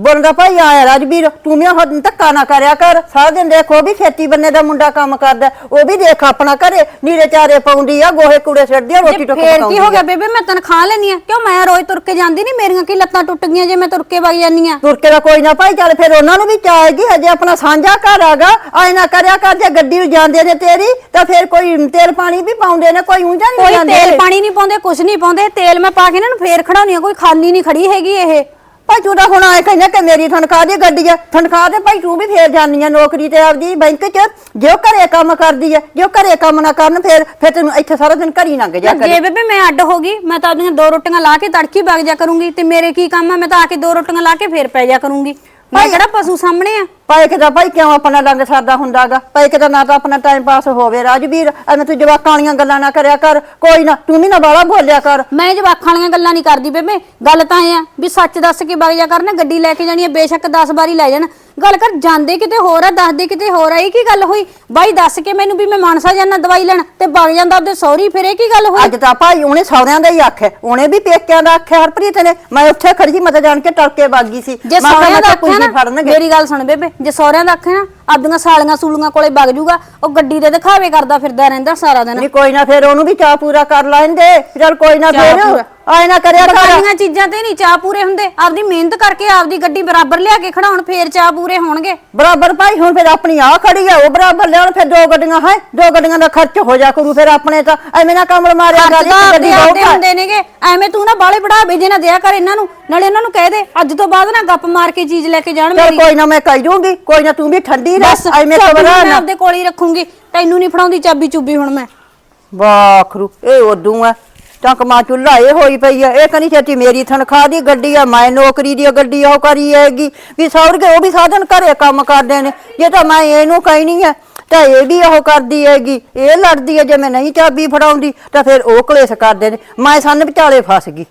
S2: ਬੋਲਣ ਦਾ ਭਾਈ ਆਇਆ ਰਾਜਵੀਰ, ਤੂੰ ਵੀ ਉਹ ਧੱਕਾ ਨਾ ਕਰਿਆ ਕਰ। ਸਾਰਾ ਦਿਨ ਦੇਖੋ ਵੀ ਖੇਤੀ ਬੰਨੇ ਦਾ ਮੁੰਡਾ ਕੰਮ ਕਰਦਾ, ਉਹ ਵੀ ਦੇਖ ਆਪਣਾ ਘਰੇ ਨੀਰੇ ਚਾਰੇ ਪਾਉਂਦੀ ਆ, ਗੋਹੇ ਕੂੜੇ ਛੱਡਦੀ ਆ, ਰੋਟੀ ਟੁੱਕ
S1: ਫੇਰ ਕੀ ਹੋ ਗਿਆ ਬੇਬੇ, ਮੈਂ ਤਨਖਾਹ ਲੈਣੀ ਆ ਕਿਉਂ? ਮੈਂ ਰੋਜ਼ ਤੁਰ ਕੇ ਜਾਂਦੀ ਨਹੀਂ, ਮੇਰੀਆਂ ਕੀ ਲੱਤਾਂ ਟੁੱਟ ਗਈਆਂ ਜੇ ਮੈਂ ਤੁਰ ਕੇ ਵਗ ਜਾਂਦੀ ਆ?
S2: ਤੁਰਕੇ ਦਾ ਕੋਈ ਨਾ ਭਾਈ, ਚੱਲ ਫਿਰ ਉਹਨਾਂ ਨੂੰ ਵੀ ਚਾਹੇਗੀ, ਹਜੇ ਆਪਣਾ ਸਾਂਝਾ ਘਰ ਆਗਾ। ਆਏ ਨਾ ਕਰਿਆ ਕਰ, ਜੇ ਗੱਡੀ ਨੂੰ ਜਾਂਦੇ ਨੇ ਤੇਰੀ ਤਾਂ ਫਿਰ ਕੋਈ ਤੇਲ ਪਾਣੀ ਵੀ ਪਾਉਂਦੇ ਨੇ, ਕੋਈ ਉਂਝਾ ਨਹੀਂ
S1: ਕੋਈ
S2: ਜਾਂਦੇ।
S1: ਤੇਲ ਪਾਣੀ ਨਹੀਂ ਪਾਉਂਦੇ, ਕੁਛ ਨਹੀਂ ਪਾਉਂਦੇ। ਤੇਲ ਮੈਂ ਪਾ ਕੇ ਇਹਨਾਂ ਨੂੰ ਫੇਰ ਖੜਾਉਣੀ ਆ, ਕੋਈ ਖਾਲੀ ਨਹੀਂ ਖੜੀ ਹੈਗੀ ਇਹ।
S2: ਭਾਈ ਤੂੰ ਤਾਂ ਹੁਣ ਆਏ ਕਹਿੰਦਾ ਕਿ ਮੇਰੀ ਤਨਖਾਹ ਦੀ ਗੱਡੀ ਆ, ਤਨਖਾਹ ਤੇ ਭਾਈ ਤੂੰ ਵੀ ਫੇਰ ਜਾਨੀ ਆ ਨੌਕਰੀ ਤੇ ਆਪਦੀ ਬੈਂਕ 'ਚ। ਜੇ ਉਹ ਘਰੇ ਕੰਮ ਕਰਦੀ ਆ, ਜੇ ਉਹ ਘਰੇ ਕੰਮ ਨਾ ਕਰਨ ਫਿਰ ਤੈਨੂੰ ਇੱਥੇ ਸਾਰਾ ਦਿਨ ਘਰੀ ਲੰਘ ਜਾ
S1: ਜੇ ਬੇਬੇ ਮੈਂ ਅੱਡ ਹੋ ਗਈ, ਮੈਂ ਤਾਂ ਆਪਣੀਆਂ 2 ਰੋਟੀਆਂ ਲਾ ਕੇ ਤੜਕੀ ਵਗ ਜਾ ਕਰੂੰਗੀ, ਤੇ ਮੇਰੇ ਕੀ ਕੰਮ ਆ? ਮੈਂ ਤਾਂ ਆ ਕੇ 2 ਰੋਟੀਆਂ ਲਾ ਕੇ ਫੇਰ ਪੈ ਜਾ ਕਰੂੰਗੀ। ਮੈਂ ਕਿਹੜਾ ਪਸ਼ੂ ਸਾਹਮਣੇ ਆ?
S2: ਪੈਕੇ ਦਾ ਭਾਈ ਕਿਉਂ ਆਪਣਾ ਰੰਗ ਸਰਦਾ ਹੁੰਦਾਗਾ? ਪੈਕੇ ਦਾ ਨਾ ਤਾਂ ਆਪਣਾ ਟਾਈਮ ਪਾਸ ਹੋਵੇ ਰਾਜਵੀਰ, ਐਵੇਂ ਤੂੰ ਜਵਾਕਾਂ ਵਾਲੀਆਂ ਗੱਲਾਂ ਨਾ ਕਰਿਆ ਕਰ। ਕੋਈ ਨਾ, ਤੂੰ ਵੀ ਨਾ ਬਾਹਲਾ ਬੋਲਿਆ ਕਰ।
S1: ਮੈਂ ਜਵਾਕਾਂ ਵਾਲੀਆਂ ਗੱਲਾਂ ਨਹੀਂ ਕਰਦੀ ਬੇਬੇ, ਗੱਲ ਤਾਂ ਇਹ ਆ ਵੀ ਸੱਚ ਦੱਸ ਕੇ ਵਗ ਜਾ ਕਰਨ। ਗੱਡੀ ਲੈ ਕੇ ਜਾਣੀ ਆ, ਬੇਸ਼ੱਕ 10 ਵਾਰੀ ਲੈ ਜਾਣ। ਗੱਲ ਕਰ, ਜਾਂਦੇ ਕਿਤੇ ਹੋਰ ਆ, ਦੱਸਦੇ ਕਿਤੇ ਹੋਰ ਆ। ਇਹ ਕੀ ਗੱਲ ਹੋਈ ਬਾਈ? ਦੱਸ ਕੇ ਮੈਨੂੰ ਵੀ ਮੈਂ ਮਾਨਸਾ ਜਾਣਾ ਦਵਾਈ ਲੈਣ, ਤੇ ਵਗ ਜਾਂਦਾ ਉਹਦੇ ਸਹੁਰੀ। ਫਿਰ ਇਹ ਕੀ ਗੱਲ ਹੋਈ?
S2: ਅੱਜ ਤਾਂ ਭਾਈ ਉਹਨੇ ਸਹੁਰਿਆਂ ਦਾ ਹੀ ਆਖਿਆ, ਉਹਨੇ ਵੀ ਪੇਕਿਆਂ ਦਾ ਆਖਿਆ ਹਰਪ੍ਰੀਤ ਨੇ। ਮੈਂ ਉੱਥੇ ਖੜੀ ਸੀ, ਮੈਂ ਤਾਂ ਜਾਣ ਕੇ ਟਲਕੇ ਬਾਗੀ ਸੀ।
S1: ਜੇ
S2: ਮੈਂ
S1: ਸਹੁਰਿਆਂ ਦਾ
S2: ਕਿਹਾ
S1: ਆਖਿਆ ਨਾ,
S2: ਫੜਨਗੇ।
S1: ਮੇਰੀ ਗੱਲ ਸੁਣ ਬੇਬੇ, ਜੇ ਸਹੁਰਿਆਂ ਦਾ ਆਖਿਆ ਨਾ, ਆਪਦੀਆਂ ਸਾਲੀਆਂ ਸੂਲੀਆਂ ਕੋਲੇ ਵਗ ਜੂਗਾ। ਉਹ ਗੱਡੀ ਦੇ ਦਿਖਾਵੇ ਕਰਦਾ ਫਿਰਦਾ ਰਹਿੰਦਾ ਸਾਰਾ ਦਿਨ।
S2: ਨਹੀਂ ਕੋਈ ਨਾ, ਫਿਰ ਉਹਨੂੰ ਵੀ ਚਾਹ ਪੂਰਾ ਕਰ ਲੈਂਦੇ। ਚੱਲ ਕੋਈ ਨਾ, ਫਿਰ ਆਏ ਨਾ ਕਰਿਆ ਕਰ।
S1: ਬਗਾਨੀਆਂ ਚੀਜ਼ਾਂ ਤੇ ਨਹੀਂ ਚਾਹ ਪੂਰੇ ਹੁੰਦੇ। ਆਪਦੀ ਮਿਹਨਤ ਕਰਕੇ ਆਪਦੀ ਗੱਡੀ ਬਰਾਬਰ ਲਿਆ ਕੇ ਖੜਾਉਣ, ਫੇਰ ਚਾਹ ਪੂਰੇ ਹੋਣਗੇ।
S2: ਬਰਾਬਰ ਭਾਈ ਹੁਣ ਫਿਰ ਆਪਣੀ ਆ ਖੜੀ ਆ, ਉਹ ਬਰਾਬਰ ਲਿਆਉਣ। ਫਿਰ 2 ਗੱਡੀਆਂ ਹੈ, 2 ਗੱਡੀਆਂ ਦਾ ਖਰਚ ਹੋ ਜਾ ਕਰੂ। ਫਿਰ ਆਪਣੇ ਤਾਂ ਐਵੇਂ ਨਾ ਕਮਲ ਮਾਰਿਆ ਕਰ।
S1: ਗੱਡੀ ਆਉਂਦੇ ਹੁੰਦੇ ਨੇਗੇ, ਐਵੇਂ ਤੂੰ ਨਾ ਬਾਲੇ ਬੜਾਵੇ ਜੇ ਨਾ ਦਿਆ ਕਰ ਇਹਨਾਂ ਨੂੰ। ਨਾਲੇ ਇਹਨਾਂ ਨੂੰ ਕਹਿ ਦੇ ਅੱਜ ਤੋਂ ਬਾਅਦ ਨਾ ਗੱਪ ਮਾਰ ਕੇ ਚੀਜ਼ ਲੈ ਕੇ ਜਾਣ
S2: ਚੱਲ
S1: ਮੇਰੀ।
S2: ਕੋਈ ਨਾ, ਮੈਂ ਕਹਿ ਦੂੰਗੀ। ਕੋਈ ਨਾ, ਤੂੰ ਵੀ ਠੰਡੀ ਰਹਿ, ਐਵੇਂ ਘਬਰਾ
S1: ਮੈਂ
S2: ਨਾ।
S1: ਆਪਦੇ ਕੋਲ ਹੀ ਰੱਖੂੰਗੀ, ਤੈਨੂੰ ਨਹੀਂ ਫੜਾਉਂਦੀ ਚਾਬੀ ਚੁੱਬੀ ਹੁਣ ਮੈਂ।
S2: ਵਾਖਰੂ, ਇਹ ਉਦੋਂ ਆ ਟੰਕਮਾ ਚੁੱਲਾ ਇਹ ਹੋਈ ਪਈ ਆ। ਇਹ ਕਹਿੰਦੀ ਛੇਤੀ ਮੇਰੀ ਤਨਖਾਹ ਦੀ ਗੱਡੀ ਆ, ਮੈਂ ਨੌਕਰੀ ਦੀ ਗੱਡੀ ਉਹ ਕਰੀ ਹੈਗੀ ਵੀ। ਸੌਰਗੇ ਉਹ ਵੀ ਸਾਧਨ ਘਰੇ ਕੰਮ ਕਰਦੇ ਨੇ। ਜੇ ਤਾਂ ਮੈਂ ਇਹਨੂੰ ਕਹਿਣੀ ਆ ਤਾਂ ਇਹ ਵੀ ਉਹ ਕਰਦੀ ਹੈਗੀ, ਇਹ ਲੜਦੀ ਹੈ। ਜੇ ਮੈਂ ਨਹੀਂ ਚਾਬੀ ਫੜਾਉਂਦੀ ਤਾਂ ਫਿਰ ਉਹ ਕਲੇਸ਼ ਕਰਦੇ ਨੇ। ਮੈਂ ਸੰਨ ਵਿਚਾਲੇ ਫਸ ਗਈ।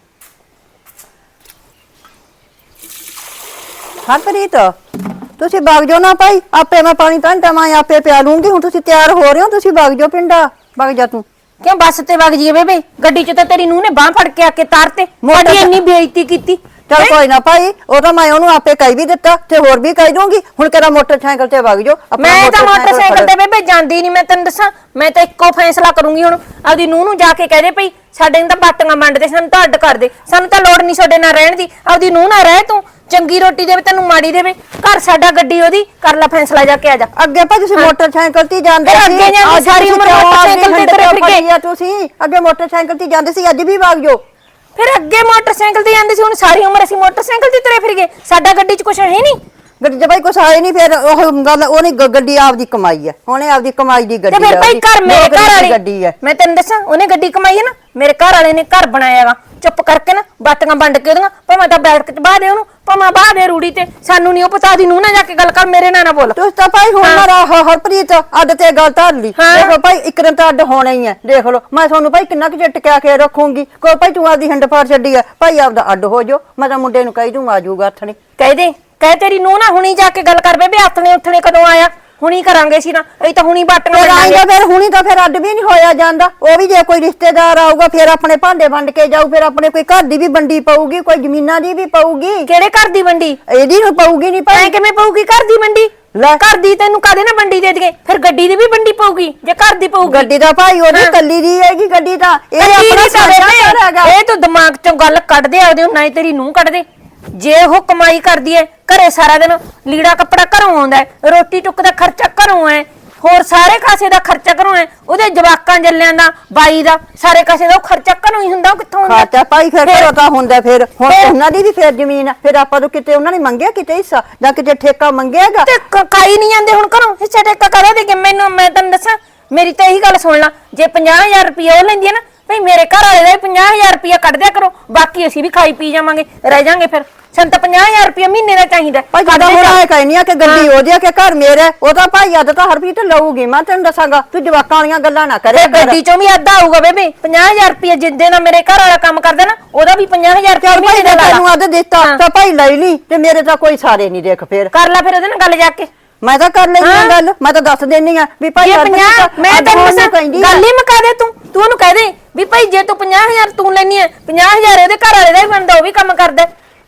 S2: ਹਰਪ੍ਰੀਤ, ਤੁਸੀਂ ਵਗ ਜਾਓ ਨਾ ਭਾਈ, ਆਪੇ ਮੈਂ ਪਾਣੀ ਤਾਂ ਮੈਂ ਆਪੇ ਪਿਆ ਲੂੰਗੀ। ਹੁਣ ਤੁਸੀਂ ਤਿਆਰ ਹੋ ਰਹੇ ਹੋ, ਤੁਸੀਂ ਵਗ ਜਾਓ ਪਿੰਡਾ। ਵਗ ਜਾ ਤੂੰ।
S3: ਕਿਉਂ ਬੱਸ ਤੇ ਵਗ ਜੀਏ ਬੇਬੇ? ਗੱਡੀ 'ਚ ਤਾਂ ਤੇਰੀ ਨੂੰਹ ਨੇ ਬਾਹ ਫੜ ਕੇ ਆ ਕੇ ਤਾਰਤੇ, ਸਾਡੀ ਇੰਨੀ ਬੇਇੱਜ਼ਤੀ ਕੀਤੀ।
S2: ਚੱਲ ਕੋਈ ਨਾ ਭਾਈ, ਉਹ ਤਾਂ ਮੈਂ ਉਹਨੂੰ ਆਪੇ ਕਹਿ ਵੀ ਦਿੱਤਾ ਤੇ ਹੋਰ ਵੀ ਕਹਿ ਦੂੰਗੀ। ਹੁਣ ਕਿਹੜਾ ਮੋਟਰਸਾਈਕਲ ਤੇ ਵਗ ਜਾਓ।
S3: ਮੈਂ ਤਾਂ ਮੋਟਰਸਾਈਕਲ ਤੇ ਬੇਬੇ ਜਾਂਦੀ ਨਹੀਂ। ਮੈਂ ਤੈਨੂੰ ਦੱਸਾਂ, ਮੈਂ ਤਾਂ ਇੱਕੋ ਫੈਸਲਾ ਕਰੂੰਗੀ ਹੁਣ, ਆਪਦੀ ਨੂੰਹ ਨੂੰ ਜਾ ਕੇ ਕਹਿ ਦੇ ਭਈ ਸਾਡੇ ਨੂੰ ਤਾਂ ਬਾਟੀਆਂ ਵੰਡਦੇ, ਸਾਨੂੰ ਤਾਂ ਅੱਡ ਕਰ ਦੇ। ਸਾਨੂੰ ਤਾਂ ਲੋੜ ਨਹੀਂ ਤੁਹਾਡੇ ਨਾਲ ਰਹਿਣ ਦੀ। ਆਪਦੀ ਨੂੰਹ ਨਾਲ ਰਹਿ, ਤੂੰ ਚੰਗੀ ਰੋਟੀ ਦੇਵੇ ਤੈਨੂੰ ਮਾੜੀ ਦੇਵੇ। ਘਰ ਸਾਡਾ, ਗੱਡੀ ਉਹਦੀ। ਕਰ ਲੈ ਫੈਸਲਾ, ਜਾ ਕੇ ਆ ਜਾ।
S2: ਅੱਗੇ ਭਾਈ ਤੁਸੀਂ ਮੋਟਰਸਾਈਕਲ ਤੇ ਜਾਂਦੇ
S3: ਫਿਰ ਅੱਗੇ ਜਾਂਦੀ ਸਾਰੀ ਉਮਰ ਮੋਟਰਸਾਈਕਲ ਤੇ ਤੁਰੇ ਫਿਰ ਗਏ।
S2: ਤੁਸੀਂ ਅੱਗੇ ਮੋਟਰਸਾਈਕਲ ਤੇ ਜਾਂਦੇ ਸੀ, ਅੱਜ ਵੀ ਵਗ ਜਾਓ।
S3: ਫਿਰ ਅੱਗੇ ਮੋਟਰਸਾਈਕਲ ਤੇ ਜਾਂਦੇ ਸੀ, ਹੁਣ ਸਾਰੀ ਉਮਰ ਅਸੀਂ ਮੋਟਰਸਾਈਕਲ ਤੇ ਤੁਰੇ ਫਿਰ ਗਏ। ਸਾਡਾ ਗੱਡੀ 'ਚ ਕੁਛ ਹੈ ਨਹੀਂ।
S2: ਗੱਡੀ 'ਚ ਭਾਈ ਕੁਛ ਆਏ ਨਹੀਂ। ਫਿਰ ਉਹ ਗੱਲ, ਉਹਨੇ ਗੱਡੀ ਆਪਦੀ ਕਮਾਈ ਹੈ, ਉਹਨੇ ਆਪਦੀ ਕਮਾਈ ਦੀ ਗੱਡੀ
S3: ਤੇ ਫਿਰ ਭਾਈ ਘਰ ਮੇਰੇ ਘਰ ਵਾਲੀ
S2: ਗੱਡੀ ਹੈ।
S3: ਮੈਂ ਤੈਨੂੰ ਦੱਸਾਂ, ਉਹਨੇ ਗੱਡੀ ਕਮਾਈ ਹੈ ਨਾ, ਮੇਰੇ ਘਰ ਵਾਲੇ ਨੇ ਘਰ ਬਣਾਇਆਗਾ। ਚੁੱਪ ਕਰਕੇ ਨਾ ਬਾਟੀਆਂ ਵੰਡ ਕੇ ਉਹਦੀਆਂ, ਭਾਵੇਂ ਤਾਂ ਬੈਠ ਕੇ ਬਾਹ ਦੇ ਉਹਨੂੰ, ਭਾਵੇਂ ਬਾਹ ਦੇ ਰੂੜੀ ਤੇ। ਸਾਨੂੰ ਨਹੀਂ ਉਹ ਪਤਾ। ਦੀ ਨੂੰਹ ਨਾਲ ਜਾ ਕੇ ਗੱਲ ਕਰ, ਮੇਰੇ ਨਾਲ ਨਾ ਬੋਲ।
S2: ਤੁਸੀਂ ਤਾਂ ਭਾਈ ਹੁਣ ਨਾ ਹਰਪ੍ਰੀਤ ਅੱਡ ਤੇ ਗੱਲ ਧਰ ਲਈ। ਦੇਖੋ ਭਾਈ ਇੱਕ ਦਿਨ ਤਾਂ ਅੱਡ ਹੋਣਾ ਹੀ ਹੈ। ਦੇਖ ਲਓ, ਮੈਂ ਤੁਹਾਨੂੰ ਭਾਈ ਕਿੰਨਾ ਕੁ ਚਿਰ ਟਿਕਾ ਕੇ ਰੱਖੂੰਗੀ। ਕੋਈ ਭਾਈ ਤੂੰ ਆਪਦੀ ਹੰਡ ਫਾੜ ਛੱਡੀ ਆ, ਭਾਈ ਆਪਦਾ ਅੱਡ ਹੋ ਜਾਓ। ਮੈਂ ਤਾਂ ਮੁੰਡੇ ਨੂੰ ਕਹਿ ਦੂੰ ਆ ਜਾਊਗਾ ਹੱਥਣੀ।
S3: ਕਹਿ ਦੇ, ਕਹਿ ਤੇਰੀ ਨੂੰਹ ਨਾ ਹੁਣੀ ਜਾ ਕੇ ਗੱਲ ਕਰ ਬੇਬੇ। ਹੱਥਣੇ ਉੱਥਣੇ ਕਦੋਂ ਆਇਆ? ਹੁਣੀ ਕਰਾਂਗੇ ਸੀ ਨਾ, ਅਸੀਂ ਤਾਂ ਹੁਣੀ ਬਾਟੀਆਂ ਵੰਡਾਂਗੇ।
S2: ਫਿਰ ਹੁਣੀ ਤਾਂ ਫਿਰ ਅੱਡ ਵੀ ਨਹੀਂ ਹੋਇਆ ਜਾਂਦਾ। ਉਹ ਵੀ ਜੇ ਕੋਈ ਰਿਸ਼ਤੇਦਾਰ ਆਊਗਾ ਫਿਰ ਆਪਣੇ ਭਾਂਡੇ ਵੰਡ ਕੇ ਜਾਊ। ਫਿਰ ਆਪਣੇ ਕੋਈ ਘਰ ਦੀ ਵੀ ਵੰਡੀ ਪਊਗੀ, ਕੋਈ ਜ਼ਮੀਨਾਂ ਦੀ ਵੀ ਪਊਗੀ।
S3: ਕਿਹੜੇ ਘਰ ਦੀ ਵੰਡੀ?
S2: ਇਹਦੀ ਨੂੰ ਪਊਗੀ ਨਹੀਂ ਭਾਈ।
S3: ਐ ਕਿਵੇਂ ਪਊਗੀ ਘਰ ਦੀ ਵੰਡੀ?
S2: ਲੈ
S3: ਘਰ ਦੀ ਤੈਨੂੰ ਕਦੇ ਨਾ ਵੰਡੀ ਦੇ ਦਈਏ, ਫਿਰ ਗੱਡੀ ਦੀ ਵੀ ਵੰਡੀ ਪਊਗੀ ਜੇ ਘਰ ਦੀ ਪਊਗੀ।
S2: ਗੱਡੀ ਦਾ ਭਾਈ ਉਹਦੀ ਕੱਲੀ ਦੀ ਹੈਗੀ ਗੱਡੀ ਤਾਂ। ਇਹ ਆਪਣਾ ਸਾਂਝਾ ਹੈਗਾ।
S3: ਇਹ ਤੂੰ ਦਿਮਾਗ ਚੋਂ ਗੱਲ ਕੱਢ ਦੇ ਆਪਦੇ, ਨਾ ਹੀ ਤੇਰੀ ਨੂੰਹ ਕੱਢ ਦੇ। ਜੇ ਉਹ ਕਮਾਈ ਕਰਦੀ ਐ, ਘਰੇ ਸਾਰਾ ਦਿਨ ਲੀੜਾ ਕੱਪੜਾ ਘਰੋਂ ਆਉਂਦਾ ਹੈ, ਰੋਟੀ ਟੁੱਕ ਦਾ ਖਰਚਾ ਘਰੋਂ ਐ, ਹੋਰ ਸਾਰੇ ਕਾਸੇ ਦਾ ਖਰਚਾ ਘਰੋਂ ਐ, ਉਹਦੇ ਜਵਾਕਾਂ ਜੱਲਿਆਂ ਦਾ, ਬਾਈ ਦਾ, ਸਾਰੇ ਕਾਸੇ ਦਾ ਉਹ ਖਰਚਾ ਘਰੋਂ ਹੀ ਹੁੰਦਾ। ਉਹ ਕਿੱਥੋਂ ਹੁੰਦਾ?
S2: ਖਰਚਾ ਭਾਈ ਫਿਰ ਘਰੋਂ ਤਾਂ ਹੁੰਦਾ। ਫਿਰ ਹੁਣ ਉਹਨਾਂ ਦੀ ਵੀ ਫਿਰ ਜ਼ਮੀਨ ਆ। ਫਿਰ ਆਪਾਂ ਤੋਂ ਕਿਤੇ ਉਹਨਾਂ ਨੇ ਮੰਗਿਆ ਕਿਤੇ ਹਿੱਸਾ, ਜਾਂ ਕਿਤੇ ਠੇਕਾ ਮੰਗਿਆਗਾ।
S3: ਤੇ ਖਾਈ ਨਹੀਂ ਜਾਂਦੇ ਹੁਣ ਘਰੋਂ, ਹਿੱਸਾ ਠੇਕਾ ਕਰਾ ਦੇ। ਮੈਨੂੰ ਮੈਂ ਤੈਨੂੰ ਦੱਸਾਂ, ਮੇਰੀ ਤਾਂ ਇਹੀ ਗੱਲ ਸੁਣ ਲਾ। ਜੇ 50,000 ਰੁਪਇਆ ਉਹ ਲੈਂਦੀ ਹੈ ਨਾ, ਭਈ ਮੇਰੇ ਘਰ ਵਾਲੇ ਦਾ 50,000 ਰੁਪਇਆ ਕੱਢ ਦਿਆ ਕਰੋ, ਬਾਕੀ ਅਸੀਂ ਵੀ ਖਾਈ ਪੀ ਜਾਵਾਂਗੇ, ਰਹਿ ਜਾਾਂਗੇ। ਫਿਰ ਸਾਨੂੰ ਤਾਂ 50,000 ਰੁਪਇਆ ਮਹੀਨੇ ਦਾ ਚਾਹੀਦਾ।
S2: ਭਾਈ ਜਦੋਂ ਹੁਣ ਆਏ ਕਹਿਨੀ ਆ ਕਿ ਗੱਡੀ ਉਹਦੀ ਆ ਕਿ ਘਰ ਮੇਰੇ, ਉਹ ਤਾਂ ਭਾਈ ਅੱਧ ਤਾਂ ਹਰਪ੍ਰੀਤ ਲਊਗੀ। ਮੈਂ ਤੈਨੂੰ ਦੱਸਾਂਗਾ, ਤੂੰ ਜਵਾਕਾਂ ਵਾਲੀਆਂ ਗੱਲਾਂ ਨਾ ਕਰਿਆ ਕਰ।
S3: ਗੱਡੀ ਚੋਂ ਵੀ ਅੱਧਾ ਆਊਗਾ ਬੇਬੇ। 50,000 ਰੁਪਇਆ ਜਿੱਦੇ ਨਾਲ ਮੇਰੇ ਘਰ ਵਾਲਾ ਕੰਮ ਕਰਦਾ ਨਾ, ਉਹਦਾ ਵੀ 50,000 ਰੁਪਇਆ ਮਹੀਨੇ ਦਾ
S2: ਤੈਨੂੰ ਅੱਧ ਦਿੱਤਾ ਤਾਂ ਭਾਈ ਲੈ ਲਈ, ਤੇ ਮੇਰੇ ਤਾਂ ਕੋਈ ਸਾਰੇ ਨਹੀਂ। ਦੇਖ ਫਿਰ
S3: ਕਰ ਲੈ ਫਿਰ ਉਹਦੇ ਨਾਲ ਗੱਲ ਜਾ ਕੇ।
S2: ਮੈਂ ਤਾਂ ਕਰ ਲੈਣੀ ਆ ਗੱਲ। ਮੈਂ ਤਾਂ ਦੱਸ ਦੇਣੀ ਆ ਵੀ ਭਾਈ
S3: ਮੈਂ ਤੈਨੂੰ ਦੱਸਾਂ, ਗੱਲ ਹੀ ਮੁਕਾ ਦੇ। ਤੂੰ ਉਹਨੂੰ ਕਹਿ ਦੇ ਵੀ ਭਾਈ ਜੇ ਤੂੰ 50,000 ਤੂੰ ਲੈਣੀ ਹੈ, 50,000 ਇਹਦੇ ਘਰ ਵਾਲੇ ਦਾ ਹੀ ਬਣਦਾ, ਉਹ ਵੀ ਕੰਮ ਕਰਦਾ।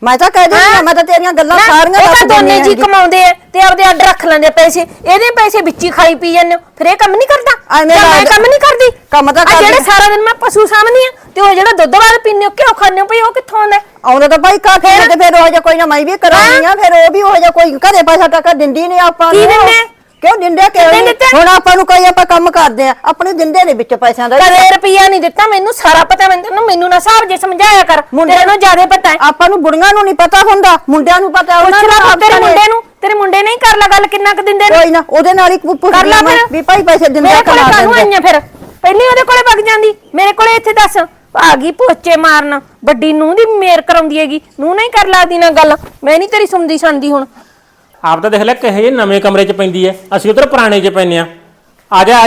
S2: ਮੈਂ ਤਾਂ ਕਹਿ ਦਿੰਦੀ ਆ, ਮੈਂ ਤਾਂ ਤੇਰੀਆਂ ਗੱਲਾਂ
S3: ਨਾ,
S2: ਸਾਰੀਆਂ
S3: ਉਹ
S2: ਦੱਸ
S3: ਤਾਂ ਦੋਨੇ
S2: ਦਿੰਦੀ
S3: ਜੀ
S2: ਹੈਗੀ।
S3: ਕਮਾਉਂਦੇ ਆ ਤੇ ਆਪਦੇ ਅੱਡ ਰੱਖ ਲੈਂਦੇ ਪੈਸੇ, ਇਹਦੇ ਪੈਸੇ ਵਿੱਚ ਹੀ ਖਾਈ ਪੀ ਜਾਂਦੇ ਹੋ, ਫਿਰ ਇਹ ਕੰਮ ਨਹੀਂ ਕਰਦਾ
S2: ਐਵੇਂ
S3: ਜਾਂ ਮੈਂ
S2: ਲੱਗਦਾ-
S3: ਕੰਮ ਨਹੀਂ ਕਰਦੀ
S2: ਕੰਮ ਤਾਂ
S3: ਆਹ ਜਿਹੜੇ
S2: ਕਰਦੀ।
S3: ਸਾਰਾ ਦਿਨ ਮੈਂ ਪਸ਼ੂ ਸਾਂਭਦੀ ਆ ਤੇ ਉਹ ਜਿਹੜਾ ਦੁੱਧ ਵਾਲਾ ਪੀਂਦੇ ਹੋ ਕਿਉਂ ਖਾਂਦੇ ਹੋ ਭਈ ਉਹ ਕਿੱਥੋਂ ਆਉਂਦਾ?
S2: ਆਉਂਦਾ ਤਾਂ ਭਾਈ ਕਾਫੀ ਨੇ ਤੇ ਫਿਰ ਉਹ ਜਿਹਾ ਕੋਈ ਨਾ ਮੈਂ ਵੀ ਕਰਾਉਣੀ ਆ, ਫਿਰ ਉਹ ਵੀ ਉਹ ਜਿਹਾ ਕੋਈ ਘਰੇ ਪੈਸਾ ਟਕਾ ਦਿੰਦੀ ਨਹੀਂ ਆਪਾਂ
S3: ਕੀ
S2: ਨੂੰ।
S3: ਦਿੰਦੇ?
S2: ਕਿਉਂ ਦਿੰਦੇ
S3: ਕਿੰਨੇ
S2: ਕਿਉਂ
S3: ਦਿੱਤੇ?
S2: ਹੁਣ ਆਪਾਂ ਨੂੰ ਕੋਈ ਆਪਾਂ ਕੰਮ ਕਰਦੇ ਆ, ਆਪਣੇ ਦਿੰਦੇ ਨੇ ਵਿੱਚ ਪੈਸਿਆਂ ਦਾ।
S3: ਕਦੇ ਰੁਪਈਆ ਨਹੀਂ ਦਿੱਤਾ, ਮੈਨੂੰ ਸਾਰਾ ਪਤਾ, ਮੈਨੂੰ ਨਾ ਹਿਸਾਬ ਜੇ ਸਮਝਾਇਆ ਕਰ, ਤੇਰੇ ਨੂੰ ਜ਼ਿਆਦਾ ਪਤਾ ਹੈ।
S2: ਆਪਾਂ ਨੂੰ ਬੁੜੀਆਂ ਨੂੰ ਨਹੀਂ ਪਤਾ ਹੁੰਦਾ, ਮੁੰਡਿਆਂ ਨੂੰ ਪਤਾ ਉਹਨਾਂ
S3: ਪੁੱਛ ਲਾ
S2: ਆਪ
S3: ਤੇਰੇ
S2: ਕਰੇ।
S3: ਮੁੰਡੇ ਨੂੰ, ਤੇਰੇ ਮੁੰਡੇ ਨਹੀਂ ਕਰ ਲਾ ਗੱਲ ਕਿੰਨਾ ਕੁ ਦਿੰਦੇ ਨੇ।
S2: ਕੋਈ ਨਾ ਉਹਦੇ ਨਾਲ ਹੀ ਪੁੱਛ
S3: ਕਰ ਲਾ
S2: ਮੈਂ
S3: ਫਿਰ।
S2: ਵੀ ਭਾਈ ਪੈਸੇ ਦਿੰਦੇ
S3: ਮੇਰੇ ਕੋਲੇ
S2: ਕਰਾ
S3: ਕਾਹਨੂੰ
S2: ਦਿੰਦੇ।
S3: ਆਈਆਂ ਫਿਰ? ਪਹਿਲੀ ਉਹਦੇ ਕੋਲੇ ਵਗ ਜਾਂਦੀ, ਮੇਰੇ ਕੋਲੇ ਇੱਥੇ ਦੱਸ ਆ ਗਈ ਪੋਚੇ ਮਾਰਨ, ਵੱਡੀ ਨੂੰ ਦੀ ਮੇਰ ਕਰਾਉਂਦੀ ਹੈਗੀ, ਨੂੰ ਨਹੀਂ ਕਰ ਲਾਦੀ ਨਾ ਗੱਲ, ਮੈਂ ਨਹੀਂ ਤੇਰੀ ਸੁਣਦੀ ਸੁਣਦੀ ਹੁਣ।
S4: ਆਪ ਤਾਂ ਦੇਖ ਲੈ ਕਿਹੇ ਜਿਹੇ ਨਵੇਂ ਕਮਰੇ 'ਚ ਪੈਂਦੀ ਐ, ਅਸੀਂ ਉਧਰ ਪੁਰਾਣੇ 'ਚ ਪੈਨੇ ਆ। ਆ ਜਾ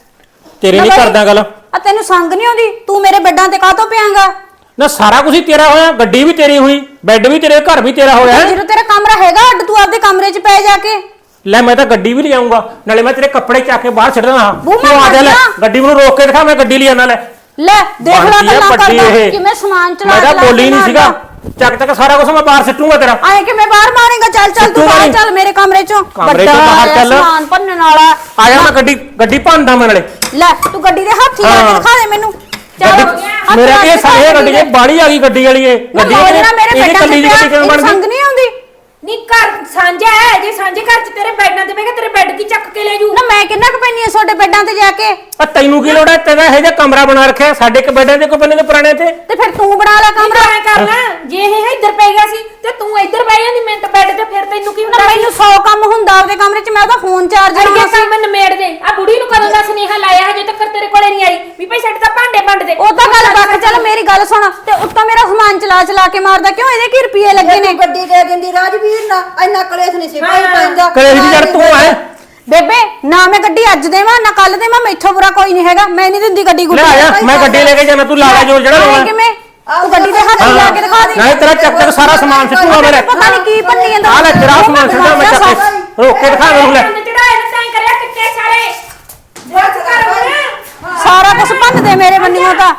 S4: ਤੇਰੇ ਨਹੀਂ ਕਰਦਾ ਗੱਲ।
S1: ਆ ਤੈਨੂੰ ਸੰਗ ਨਹੀਂ ਆਉਂਦੀ? ਤੂੰ ਮੇਰੇ ਬੈੱਡਾਂ ਤੇ ਕਾਹਤੋਂ ਪਿਆਂਗਾ?
S4: ਨਾ ਸਾਰਾ ਕੁਝ ਹੀ ਤੇਰਾ ਹੋਇਆ, ਗੱਡੀ ਵੀ ਤੇਰੀ ਹੋਈ, ਬੈੱਡ ਵੀ ਤੇਰੇ, ਘਰ ਵੀ ਤੇਰਾ ਹੋਇਆ।
S1: ਜਦੋਂ ਤੇਰਾ ਕਮਰਾ ਹੈਗਾ ਅੱਡ, ਤੂੰ ਆਪਦੇ ਕਮਰੇ 'ਚ ਪੈ ਜਾ ਕੇ।
S4: ਲੈ ਮੈਂ ਤਾਂ ਗੱਡੀ ਵੀ ਲਿਆਉਂਗਾ, ਨਾਲੇ ਮੈਂ ਤੇਰੇ ਕੱਪੜੇ ਚੱਕ ਕੇ ਬਾਹਰ ਛੱਡ ਦੇਣਾ।
S1: ਬੂ ਮੈਂ
S4: ਤੂੰ ਆ ਜਾ ਲੈ,
S1: ਕਰਨਾ।
S4: ਗੱਡੀ ਮੈਨੂੰ ਰੋਕ ਕੇ ਦਿਖਾ, ਮੈਂ ਗੱਡੀ ਲਿਆਣਾ ਲੈ।
S1: ਲੈ ਦੇਖ ਲੈ
S4: ਬਣਦੀ ਐ
S1: ਗੱਲਾਂ
S4: ਵੱਡੀ
S1: ਕਰਦਾ
S4: ਇਹ।
S1: ਕਿਵੇਂ ਸਮਾਨ ਚਲਾ
S4: ਮੈਂ ਤਾਂ
S1: ਚਲਾ
S4: ਬੋਲੀ
S1: ਕੇ
S4: ਨਹੀਂ ਸੀਗਾ,
S1: ਮਾਰਦਾ।
S4: ਚੱਕ ਸਾਰਾ ਕੁਝ ਮੈਂ ਬਾਹਰ ਸਿੱਟੂਗਾ ਤੇਰਾ।
S1: ਆਏ ਕਿ ਮੈਂ ਬਾਹਰ ਮਾਰੇਗਾ? ਚੱਲ ਚੱਲ ਤੂੰ
S4: ਸਿੱਟੂ
S1: ਬਾਹਰ
S4: ਮਾਰੀ।
S1: ਚੱਲ ਮੇਰੇ ਕਮਰੇ 'ਚੋਂ।
S4: ਕਮਰੇ 'ਚੋਂ
S1: ਵੱਡਾ
S4: ਬਾਹਰ
S1: ਆਇਆ
S4: ਚੱਲ।
S1: ਸਮਾਨ ਭੰਨਣ ਵਾਲਾ।
S4: ਆ ਜਾ ਮੈਂ ਗੱਡੀ ਭੰਨਦਾ ਮੈਂ ਨਾਲੇ।
S1: ਲੈ ਤੂੰ ਗੱਡੀ ਦੇ ਹੱਥ ਹੀ ਲਾ ਕੇ
S4: ਹਾਂ।
S1: ਦਿਖਾ ਦੇ ਮੈਨੂੰ। ਚੱਲ
S4: ਗੱਡੀ-
S1: ਹੋ ਗਿਆ। ਹੱਥ
S4: ਮੇਰਾ
S1: ਲਾ
S4: ਕੀ
S1: ਕੇ
S4: ਸਾਰੇ
S1: ਦਿਖਾ
S4: ਗੱਡੀ
S1: ਦੇ।
S4: 'ਚ ਬਾੜੀ ਆ ਗਈ ਗੱਡੀ ਵਾਲੀ ਇਹ।
S1: ਨਾ ਮੌਜ ਨਾਲ ਮੇਰੇ
S4: ਇਹਦੀ
S1: ਬੈੱਡਾਂ
S4: ਕੱਲੀ
S1: ਤੇ
S4: ਦੀ ਗੱਡੀ ਕਿਵੇਂ
S1: ਪਿਆ,
S4: ਬਣ
S1: ਸੰਗ
S4: ਗਈ?
S1: ਨਹੀਂ ਆਉਂਦੀ।
S3: ਨੀ ਘਰ ਸਾਂਝਾ ਹੈ, ਜੇ ਸਾਂਝੇ ਘਰ 'ਚ ਤੇਰੇ ਬੈੱਡਾਂ ਤੇ ਬੈਗਾ, ਤੇਰੇ ਬੈੱਡ ਕੀ ਚੱਕ ਕੇ ਲੈ ਜੂ?
S1: ਨਾ ਮੈਂ ਕਿੰਨਾ ਕੁ ਪੈਣੀ ਆ ਤੁਹਾਡੇ ਬੈੱਡਾਂ ਤੇ ਜਾ ਕੇ?
S4: ਆ ਤੈਨੂੰ ਕੀ ਲੋੜ ਹੈ? ਤੇਰਾ ਇਹ ਜਿਹਾ ਕਮਰਾ ਬਣਾ ਰੱਖਿਆ, ਸਾਡੇ ਇੱਕ ਬੈੱਡਾਂ ਤੇ ਕੋਈ ਬੰਨੇ ਦੇ ਪੁਰਾਣੇ ਤੇ।
S1: ਤੇ ਫਿਰ ਤੂੰ ਬਣਾ ਲੈ ਕਮਰਾ।
S3: ਐ ਕਰ ਲੈ, ਜੇ ਇਹ ਇੱਧਰ ਪੈ ਗਿਆ ਸੀ ਤੇ ਤੂੰ ਇੱਧਰ ਬਹਿ ਜਾਂਦੀ, ਮੈਂ ਤਾਂ ਬੈੱਡ ਤੇ, ਫਿਰ ਤੈਨੂੰ ਕੀ
S1: ਨਾ
S3: ਹੁੰਦਾ?
S1: ਮੈਨੂੰ 100 ਕੰਮ ਹੁੰਦਾ ਆਪਦੇ ਕਮਰੇ 'ਚ, ਮੈਂ ਉਹਦਾ ਫੋਨ ਚਾਰਜ
S3: ਅੜੀਏ
S1: ਕਰਨਾ ਸੀ।
S3: ਕੰਮ ਨਿਮੇੜ ਦੇ। ਆ ਬੁੜੀ ਨੂੰ ਕਦੋਂ ਦਾ ਸੁਨੇਹਾ ਲਾਇਆ, ਹਜੇ ਤੱਕ ਤੇਰੇ ਕੋਲੇ ਨਹੀਂ ਆਈ ਵੀ ਭਾਈ ਸਾਡੇ ਤਾਂ ਭਾਂਡੇ ਵੰਡ ਦੇ।
S1: ਉਹ ਤਾਂ ਗੱਲ ਰੱਖ, ਚੱਲ ਮੇਰੀ ਗੱਲ ਸੁਣ। ਤੇ ਉੱਤੋਂ ਮੇਰਾ ਸਮਾਨ ਚਲਾ ਚਲਾ ਕੇ ਮਾਰਦਾ ਕਿਉਂ? ਇਹਦੇ ਕੀ ਰੁਪਏ ਲੱਗੇ ਨੇ?
S2: ਗੱਡੀ ਦੇ ਦਿੰਦੀ ਰਾਜਵੀਰ ਨਾ, ਇੰਨਾ ਕਲੇਸ਼ ਨਹੀਂ ਸੀ ਭਾਈ ਪੈਂਦਾ।
S4: ਕਰੇ ਜੀ ਯਾਰ ਤੂੰ ਐ
S1: ਬੇਬੇ ਨਾ ਮੈਂ ਗੱਡੀ ਅੱਜ ਦੇਵਾਂ ਨਾ ਕੱਲ ਦੇਵਾਂ, ਮੈਥੋਂ ਬੁਰਾ ਕੋਈ ਨਹੀਂ ਹੈਗਾ। ਮੈਂ ਨਹੀਂ ਦਿੰਦੀ ਗੱਡੀ
S4: ਲੈ ਆ ਜਾ, ਮੈਂ ਗੱਡੀ ਲੈ ਕੇ ਜਾਣਾ, ਤੂੰ ਲਾ ਲੈ ਜੋਰ ਜਿਹੜਾ
S1: ਆਏਂ
S4: ਲਾਉਣਾ।
S1: ਕਿਵੇਂ? ਤੂੰ ਗੱਡੀ ਦੇ ਹੱਥ ਲਾ ਕੇ ਦਿਖਾ ਦੇ।
S4: ਨਹੀਂ ਤੇਰਾ ਚੱਕ ਚੱਕ ਸਾਰਾ ਸਮਾਨ ਸਿੱਟੂਗਾ ਮੇਰੇ।
S1: ਪਤਾ ਨਹੀਂ ਕੀ ਭੰਨੀ ਜਾਂਦਾ।
S4: ਆ ਲੈ ਤੇਰਾ ਸਮਾਨ ਸਿੱਟਾ ਮੈਂ ਚੱਕ ਕੇ ਰੋਕ ਕੇ ਦਿਖਾ ਮੈਨੂੰ ਲੈ।
S3: ਚੜਾਏ ਨੇ ਤਾਂ ਕਰਿਆ ਕਿੱਥੇ ਸਾਰੇ ਬਸ ਕਰ ਹੁਣ।
S1: ਸਾਰਾ ਕੁਝ ਭੰਨ ਦੇ ਮੇਰੇ ਬੰਨੀਆਂ ਤਾਂ।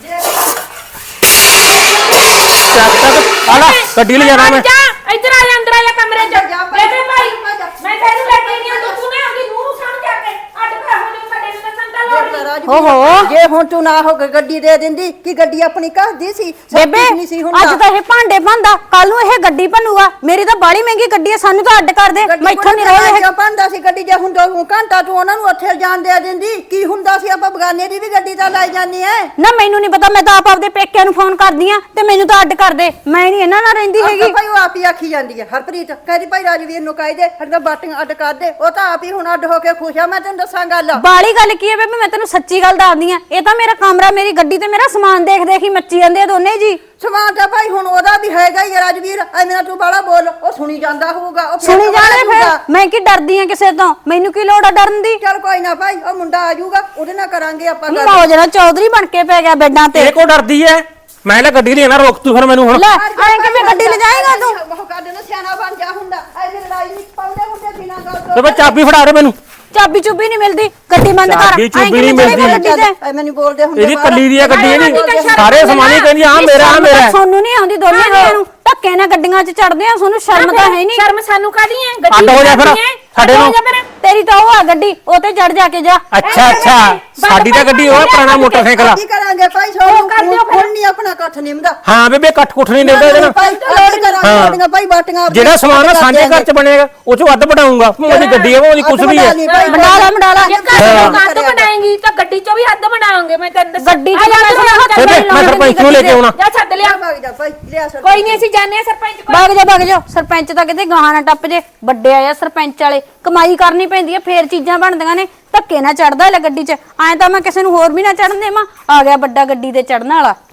S4: ਚੱਕ ਚੱਕ ਆ ਲੈ ਗੱਡੀ ਲੈ ਜਾਣਾ ਮੈਂ।
S3: ਜਾ ਇੱਧਰ ਆ ਜਾ, ਅੰਦਰ ਆ ਜਾ ਕਮਰੇ 'ਚ। ਬੇਬੇ ਭਾਈ ਮੈਂ ਤੈਨੂੰ ਲੈ ਕੇ ਨਹੀਂ ਆਉਂਦਾ, ਤੂੰ ਨਾ ਆਪਣੀ ਨੂੰਹ ਨੂੰ ਸਮਝ ਕੇ ਅੱਡ ਕਰ ਹੋ ਜਾ, ਸਾਡੇ ਨੂੰ ਤਾਂ ਸੰਤਾ ਲੋੜ ਨਹੀਂ।
S1: ਓਹੋ
S2: ਜੇ ਹੁਣ ਤੂੰ ਨਾ ਹੋ ਕੇ ਗੱਡੀ ਦੇ ਦਿੰਦੀ, ਕਿ ਗੱਡੀ ਆਪਣੀ ਘਰ ਦੀ ਸੀ, ਸਭ
S1: ਬੇਬੇ
S2: ਕੁਛ ਨਹੀਂ ਸੀ ਹੁੰਦਾ।
S1: ਅੱਜ ਤਾਂ ਇਹ ਭਾਂਡੇ ਭੰਦਾ, ਕੱਲ ਨੂੰ ਇਹ ਗੱਡੀ ਭੰਨੂਗਾ। ਮੇਰੀ ਤਾਂ ਬਾੜੀ ਮਹਿੰਗੀ ਗੱਡੀ ਹੈ, ਸਾਨੂੰ ਤਾਂ ਅੱਡ ਕਰ ਦੇ। ਮੈਥੋਂ ਨਹੀਂ ਰਹੇ ਇਹ।
S2: ਪੰਦਾ ਸੀ ਗੱਡੀ, ਜੇ ਹੁੰਦਾ ਉਹ ਘੰਟਾ ਤੂੰ ਉਹਨਾਂ ਨੂੰ ਉੱਥੇ ਜਾਣ ਦੇ ਦਿੰਦੀ। ਕੀ ਹੁੰਦਾ ਸੀ, ਆਪਾਂ ਬਗਾਨੇ ਦੀ ਵੀ ਗੱਡੀ ਤਾਂ ਲੈ ਜਾਂਦੀ ਐ।
S1: ਨਾ ਮੈਨੂੰ ਨਹੀਂ ਪਤਾ, ਮੈਂ ਤਾਂ ਆਪ ਆਪਦੇ ਪੇਕਿਆਂ ਨੂੰ ਫੋਨ ਕਰਦੀ ਆ ਤੇ ਮੈਨੂੰ ਤਾਂ ਅੱਡ ਕਰ ਦੇ। ਮੈਂ ਨਹੀਂ ਇਹਨਾਂ ਨਾਲ ਰਹਿੰਦੀ ਹੈਗੀ।
S2: ਭਾਈ ਉਹ ਆਪ ਹੀ ਆਖੀ ਜਾਂਦੀ ਹੈ ਹਰਪ੍ਰੀਤ, ਕਹਿੰਦੀ ਭਾਈ ਰਾਜਵੀਰ ਨੂੰ ਕਹਿ ਦੇ ਹਰਦਾ ਬਾਟੀਆਂ ਅੱਡ ਕਰ ਦੇ। ਉਹ ਤਾਂ ਆਪ ਹੀ ਹੁਣ ਅੱਡ ਹੋ ਕੇ ਖੁਸ਼ ਆ। ਮੈਂ ਤੈਨੂੰ ਦੱਸਾਂ ਗੱਲ,
S1: ਬਾਲੀ ਗੱਲ ਕੀ ਹੈ ਬੇਬੇ, ਮੈਂ ਤੈਨੂੰ ਸੱਚੀ ਗੱਲ ਦੱਸਦੀ ਆ। ਇਹ ਤਾਂ ਮੇਰਾ ਕਮਰਾ, ਮੇਰੀ ਗੱਡੀ ਤੇ ਮੇਰਾ ਸਮਾਨ ਦੇਖ ਦੇਖ ਹੀ ਮੱਚੀ ਜਾਂਦੇ ਆ ਦੋਨੇ ਜੀ।
S2: ਸਮਾਨ ਤਾਂ ਭਾਈ ਹੁਣ ਉਹਦਾ ਵੀ ਹੈਗਾ ਹੀ ਆ ਰਾਜਵੀਰ। ਐਵੇਂ ਨਾ ਤੂੰ ਬਾਲਾ ਬੋਲ, ਉਹ ਸੁਣੀ ਜਾਂਦਾ ਹੋਊਗਾ। ਉਹ ਫਿਰ
S1: ਸੁਣੀ ਜਾਣੇ ਫਿਰ,
S2: ਜਾਊਗਾ।
S1: ਮੈਂ ਕੀ ਡਰਦੀ ਆ ਕਿਸੇ ਤੋਂ? ਮੈਨੂੰ ਕੀ ਲੋੜ ਆ ਡਰਨ ਦੀ?
S2: ਚੱਲ ਕੋਈ ਨਾ ਭਾਈ, ਉਹ ਮੁੰਡਾ ਆ ਜਾਊਗਾ, ਉਹਦੇ ਨਾਲ ਕਰਾਂਗੇ ਆਪਾਂ ਗੱਲ।
S1: ਮੌਜ ਨਾਲ ਚੌਧਰੀ ਬਣ ਕੇ ਪੈ ਗਿਆ ਬੈੱਡਾਂ ਤੇ।
S4: ਇਹ ਕੋ ਡਰਦੀ ਐ? ਮੈਂ ਲੈ ਗੱਡੀ ਲੈਣਾ, ਰੋਕ ਤੂੰ ਫਿਰ ਮੈਨੂੰ ਹੁਣ।
S1: ਲੈ ਐਂ ਕਿਵੇਂ ਗੱਡੀ ਲੈ ਜਾਏਗਾ ਤੂੰ?
S2: ਉਹ ਕਰਦੇ ਨਾ ਸਿਆਣਾ ਬਣ ਜਾ ਹੁੰਦਾ। ਐਵੇਂ ਲੜਾਈ ਨਹੀਂ ਪਾਉਂਦੇ ਹੁੰਦੇ ਬਿਨਾਂ ਗੱਲ
S4: ਤੇ ਮੈਂ ਚਾਬੀ ਫੜਾ ਦੇ ਮੈਨੂੰ।
S1: ਚਾਬੀ ਚੁੱਬੀ ਨਹੀਂ ਮਿਲਦੀ, ਗੱਡੀ ਬੰਦ ਕਰ।
S4: ਚਾਬੀ
S1: ਐਂ
S4: ਚੁੱਬੀ
S1: ਕਿਵੇਂ
S4: ਨਹੀਂ
S1: ਚੜੇਗਾ
S4: ਮਿਲਦੀ।
S1: ਗੱਡੀ ਤੇ?
S2: ਐਵੇਂ ਨਹੀਂ ਬੋਲਦੇ ਹੁੰਦੇ।
S4: ਇਹਦੀ
S2: ਬਾਹਰ।
S4: ਕੱਲੀ ਦੀ ਆ ਗੱਡੀ ਇਹਦੀ, ਸਾਰੇ ਸਮਾਨੇ ਕਹਿੰਦੀ ਆ
S1: ਨਹੀਂ,
S4: ਮੇਰਾ ਆ
S1: ਸ਼ਰਮ
S4: ਮੇਰਾ
S1: ਤਾਂ
S4: ਹੈ।
S1: ਤੁਹਾਨੂੰ ਨਹੀਂ ਆਉਂਦੀ ਦੋਨੇ ਜੀਆਂ ਨੂੰ। ਧੱਕੇ ਨਾਲ ਗੱਡੀਆਂ 'ਚ ਚੜਦੇ ਆ, ਤੁਹਾਨੂੰ ਸ਼ਰਮ ਤਾਂ ਹੈ ਨਹੀਂ।
S3: ਸ਼ਰਮ ਸਾਨੂੰ ਕਾਦੀ ਹੈ?
S4: ਅੱਡ ਹੋ ਜਾ ਫਿਰ ਸਾਡੇ ਨੂੰ।
S1: ਤੇਰੀ ਤਾਂ ਉਹ ਆ ਗੱਡੀ, ਉਹ ਤੇ ਚੜ ਜਾ ਕੇ ਜਾ।
S4: ਅੱਛਾ ਅੱਛਾ, ਸਾਡੀ ਤਾਂ ਗੱਡੀ ਉਹ ਆ, ਪੁਰਾਣਾ ਮੋਟਰਸਾਈਕਲ ਆ।
S2: ਕੀ ਕਰਾਂਗੇ ਭਾਈ,
S3: ਉਹ ਕਰ ਦਿਓ ਫਿਰ।
S2: ਹੁਣ ਨਹੀਂ ਆਪਣਾ ਇਕੱਠ ਨਿਮਦਾ।
S4: ਹਾਂ ਬੇਬੇ ਕੱਠ ਕੁੱਠ ਨਹੀਂ ਦਿੰਦਾ ਇਹਦੇ ਨਾਲ।
S2: ਭਾਈ ਲੋੜ ਕਰਾਂਗੇ ਤੁਹਾਡੀਆਂ ਭਾਈ ਬਾਟੀਆਂ।
S4: ਜਿਹੜਾ ਸਮਾਨ ਆ ਸਾਂਝੇ ਘਰ ਚ ਬਣੇਗਾ ਉਹ ਚੋਂ ਅੱਧ ਬਣਾਉਂਗਾ। ਉਹਦੀ ਗੱਡੀ ਹੈ, ਉਹਦੀ ਕੁਛ ਵੀ ਹੈ।
S1: ਬਣਾ ਲਾ
S3: ਜੇ ਘਰ ਨੂੰ ਅੱਧ ਬਣਾਏਂਗੀ ਤਾਂ ਗੱਡੀ 'ਚੋਂ ਵੀ ਅੱਧ ਬਣਾਵਾਂਗੇ। ਮੈਂ ਤੈਨੂੰ ਦੱਸਾਂ।
S1: ਗੱਡੀ 'ਚ
S3: ਆ ਜਾ
S1: ਮੈਂ
S3: ਤੂੰ ਹੱਥ
S4: ਬੇਬੇ ਮੈਂ ਸਰਪੰਚ ਨੂੰ ਲੈ ਕੇ ਆਉਣਾ।
S3: ਜਾ ਛੱਡ ਲਿਆ।
S2: ਭਾਗ ਜਾ ਭਾਈ, ਲਿਆ ਸਰ।
S3: ਕੋਈ ਨਹੀਂ, ਅਸੀਂ ਜਾਣੇ ਆ ਸਰਪੰਚ ਕੋਲ।
S1: ਭੱਗ ਜਾ ਸਰਪੰਚ ਤਾਂ ਕਿਤੇ ਗਾਹਾਂ ਨਾ ਟੱਪ ਜੇ। ਵੱਡੇ ਆਇਆ ਸਰਪੰਚ ਵਾਲੇ, ਕਮਾਈ ਕਰਨੀ ਪੈਂਦੀ ਹੈ ਫੇਰ ਚੀਜ਼ਾਂ ਬਣਦੀਆਂ ਨੇ। ਧੱਕੇ ਨਾ ਚੜਦਾ ਲੈ ਗੱਡੀ 'ਚ, ਐਂ ਤਾਂ ਮੈਂ ਕਿਸੇ ਨੂੰ ਹੋਰ ਵੀ ਨਾ ਚੜਨ ਦੇਵਾਂ। ਆ ਗਿਆ ਵੱਡਾ ਗੱਡੀ ਤੇ ਚੜਨ ਵਾਲਾ।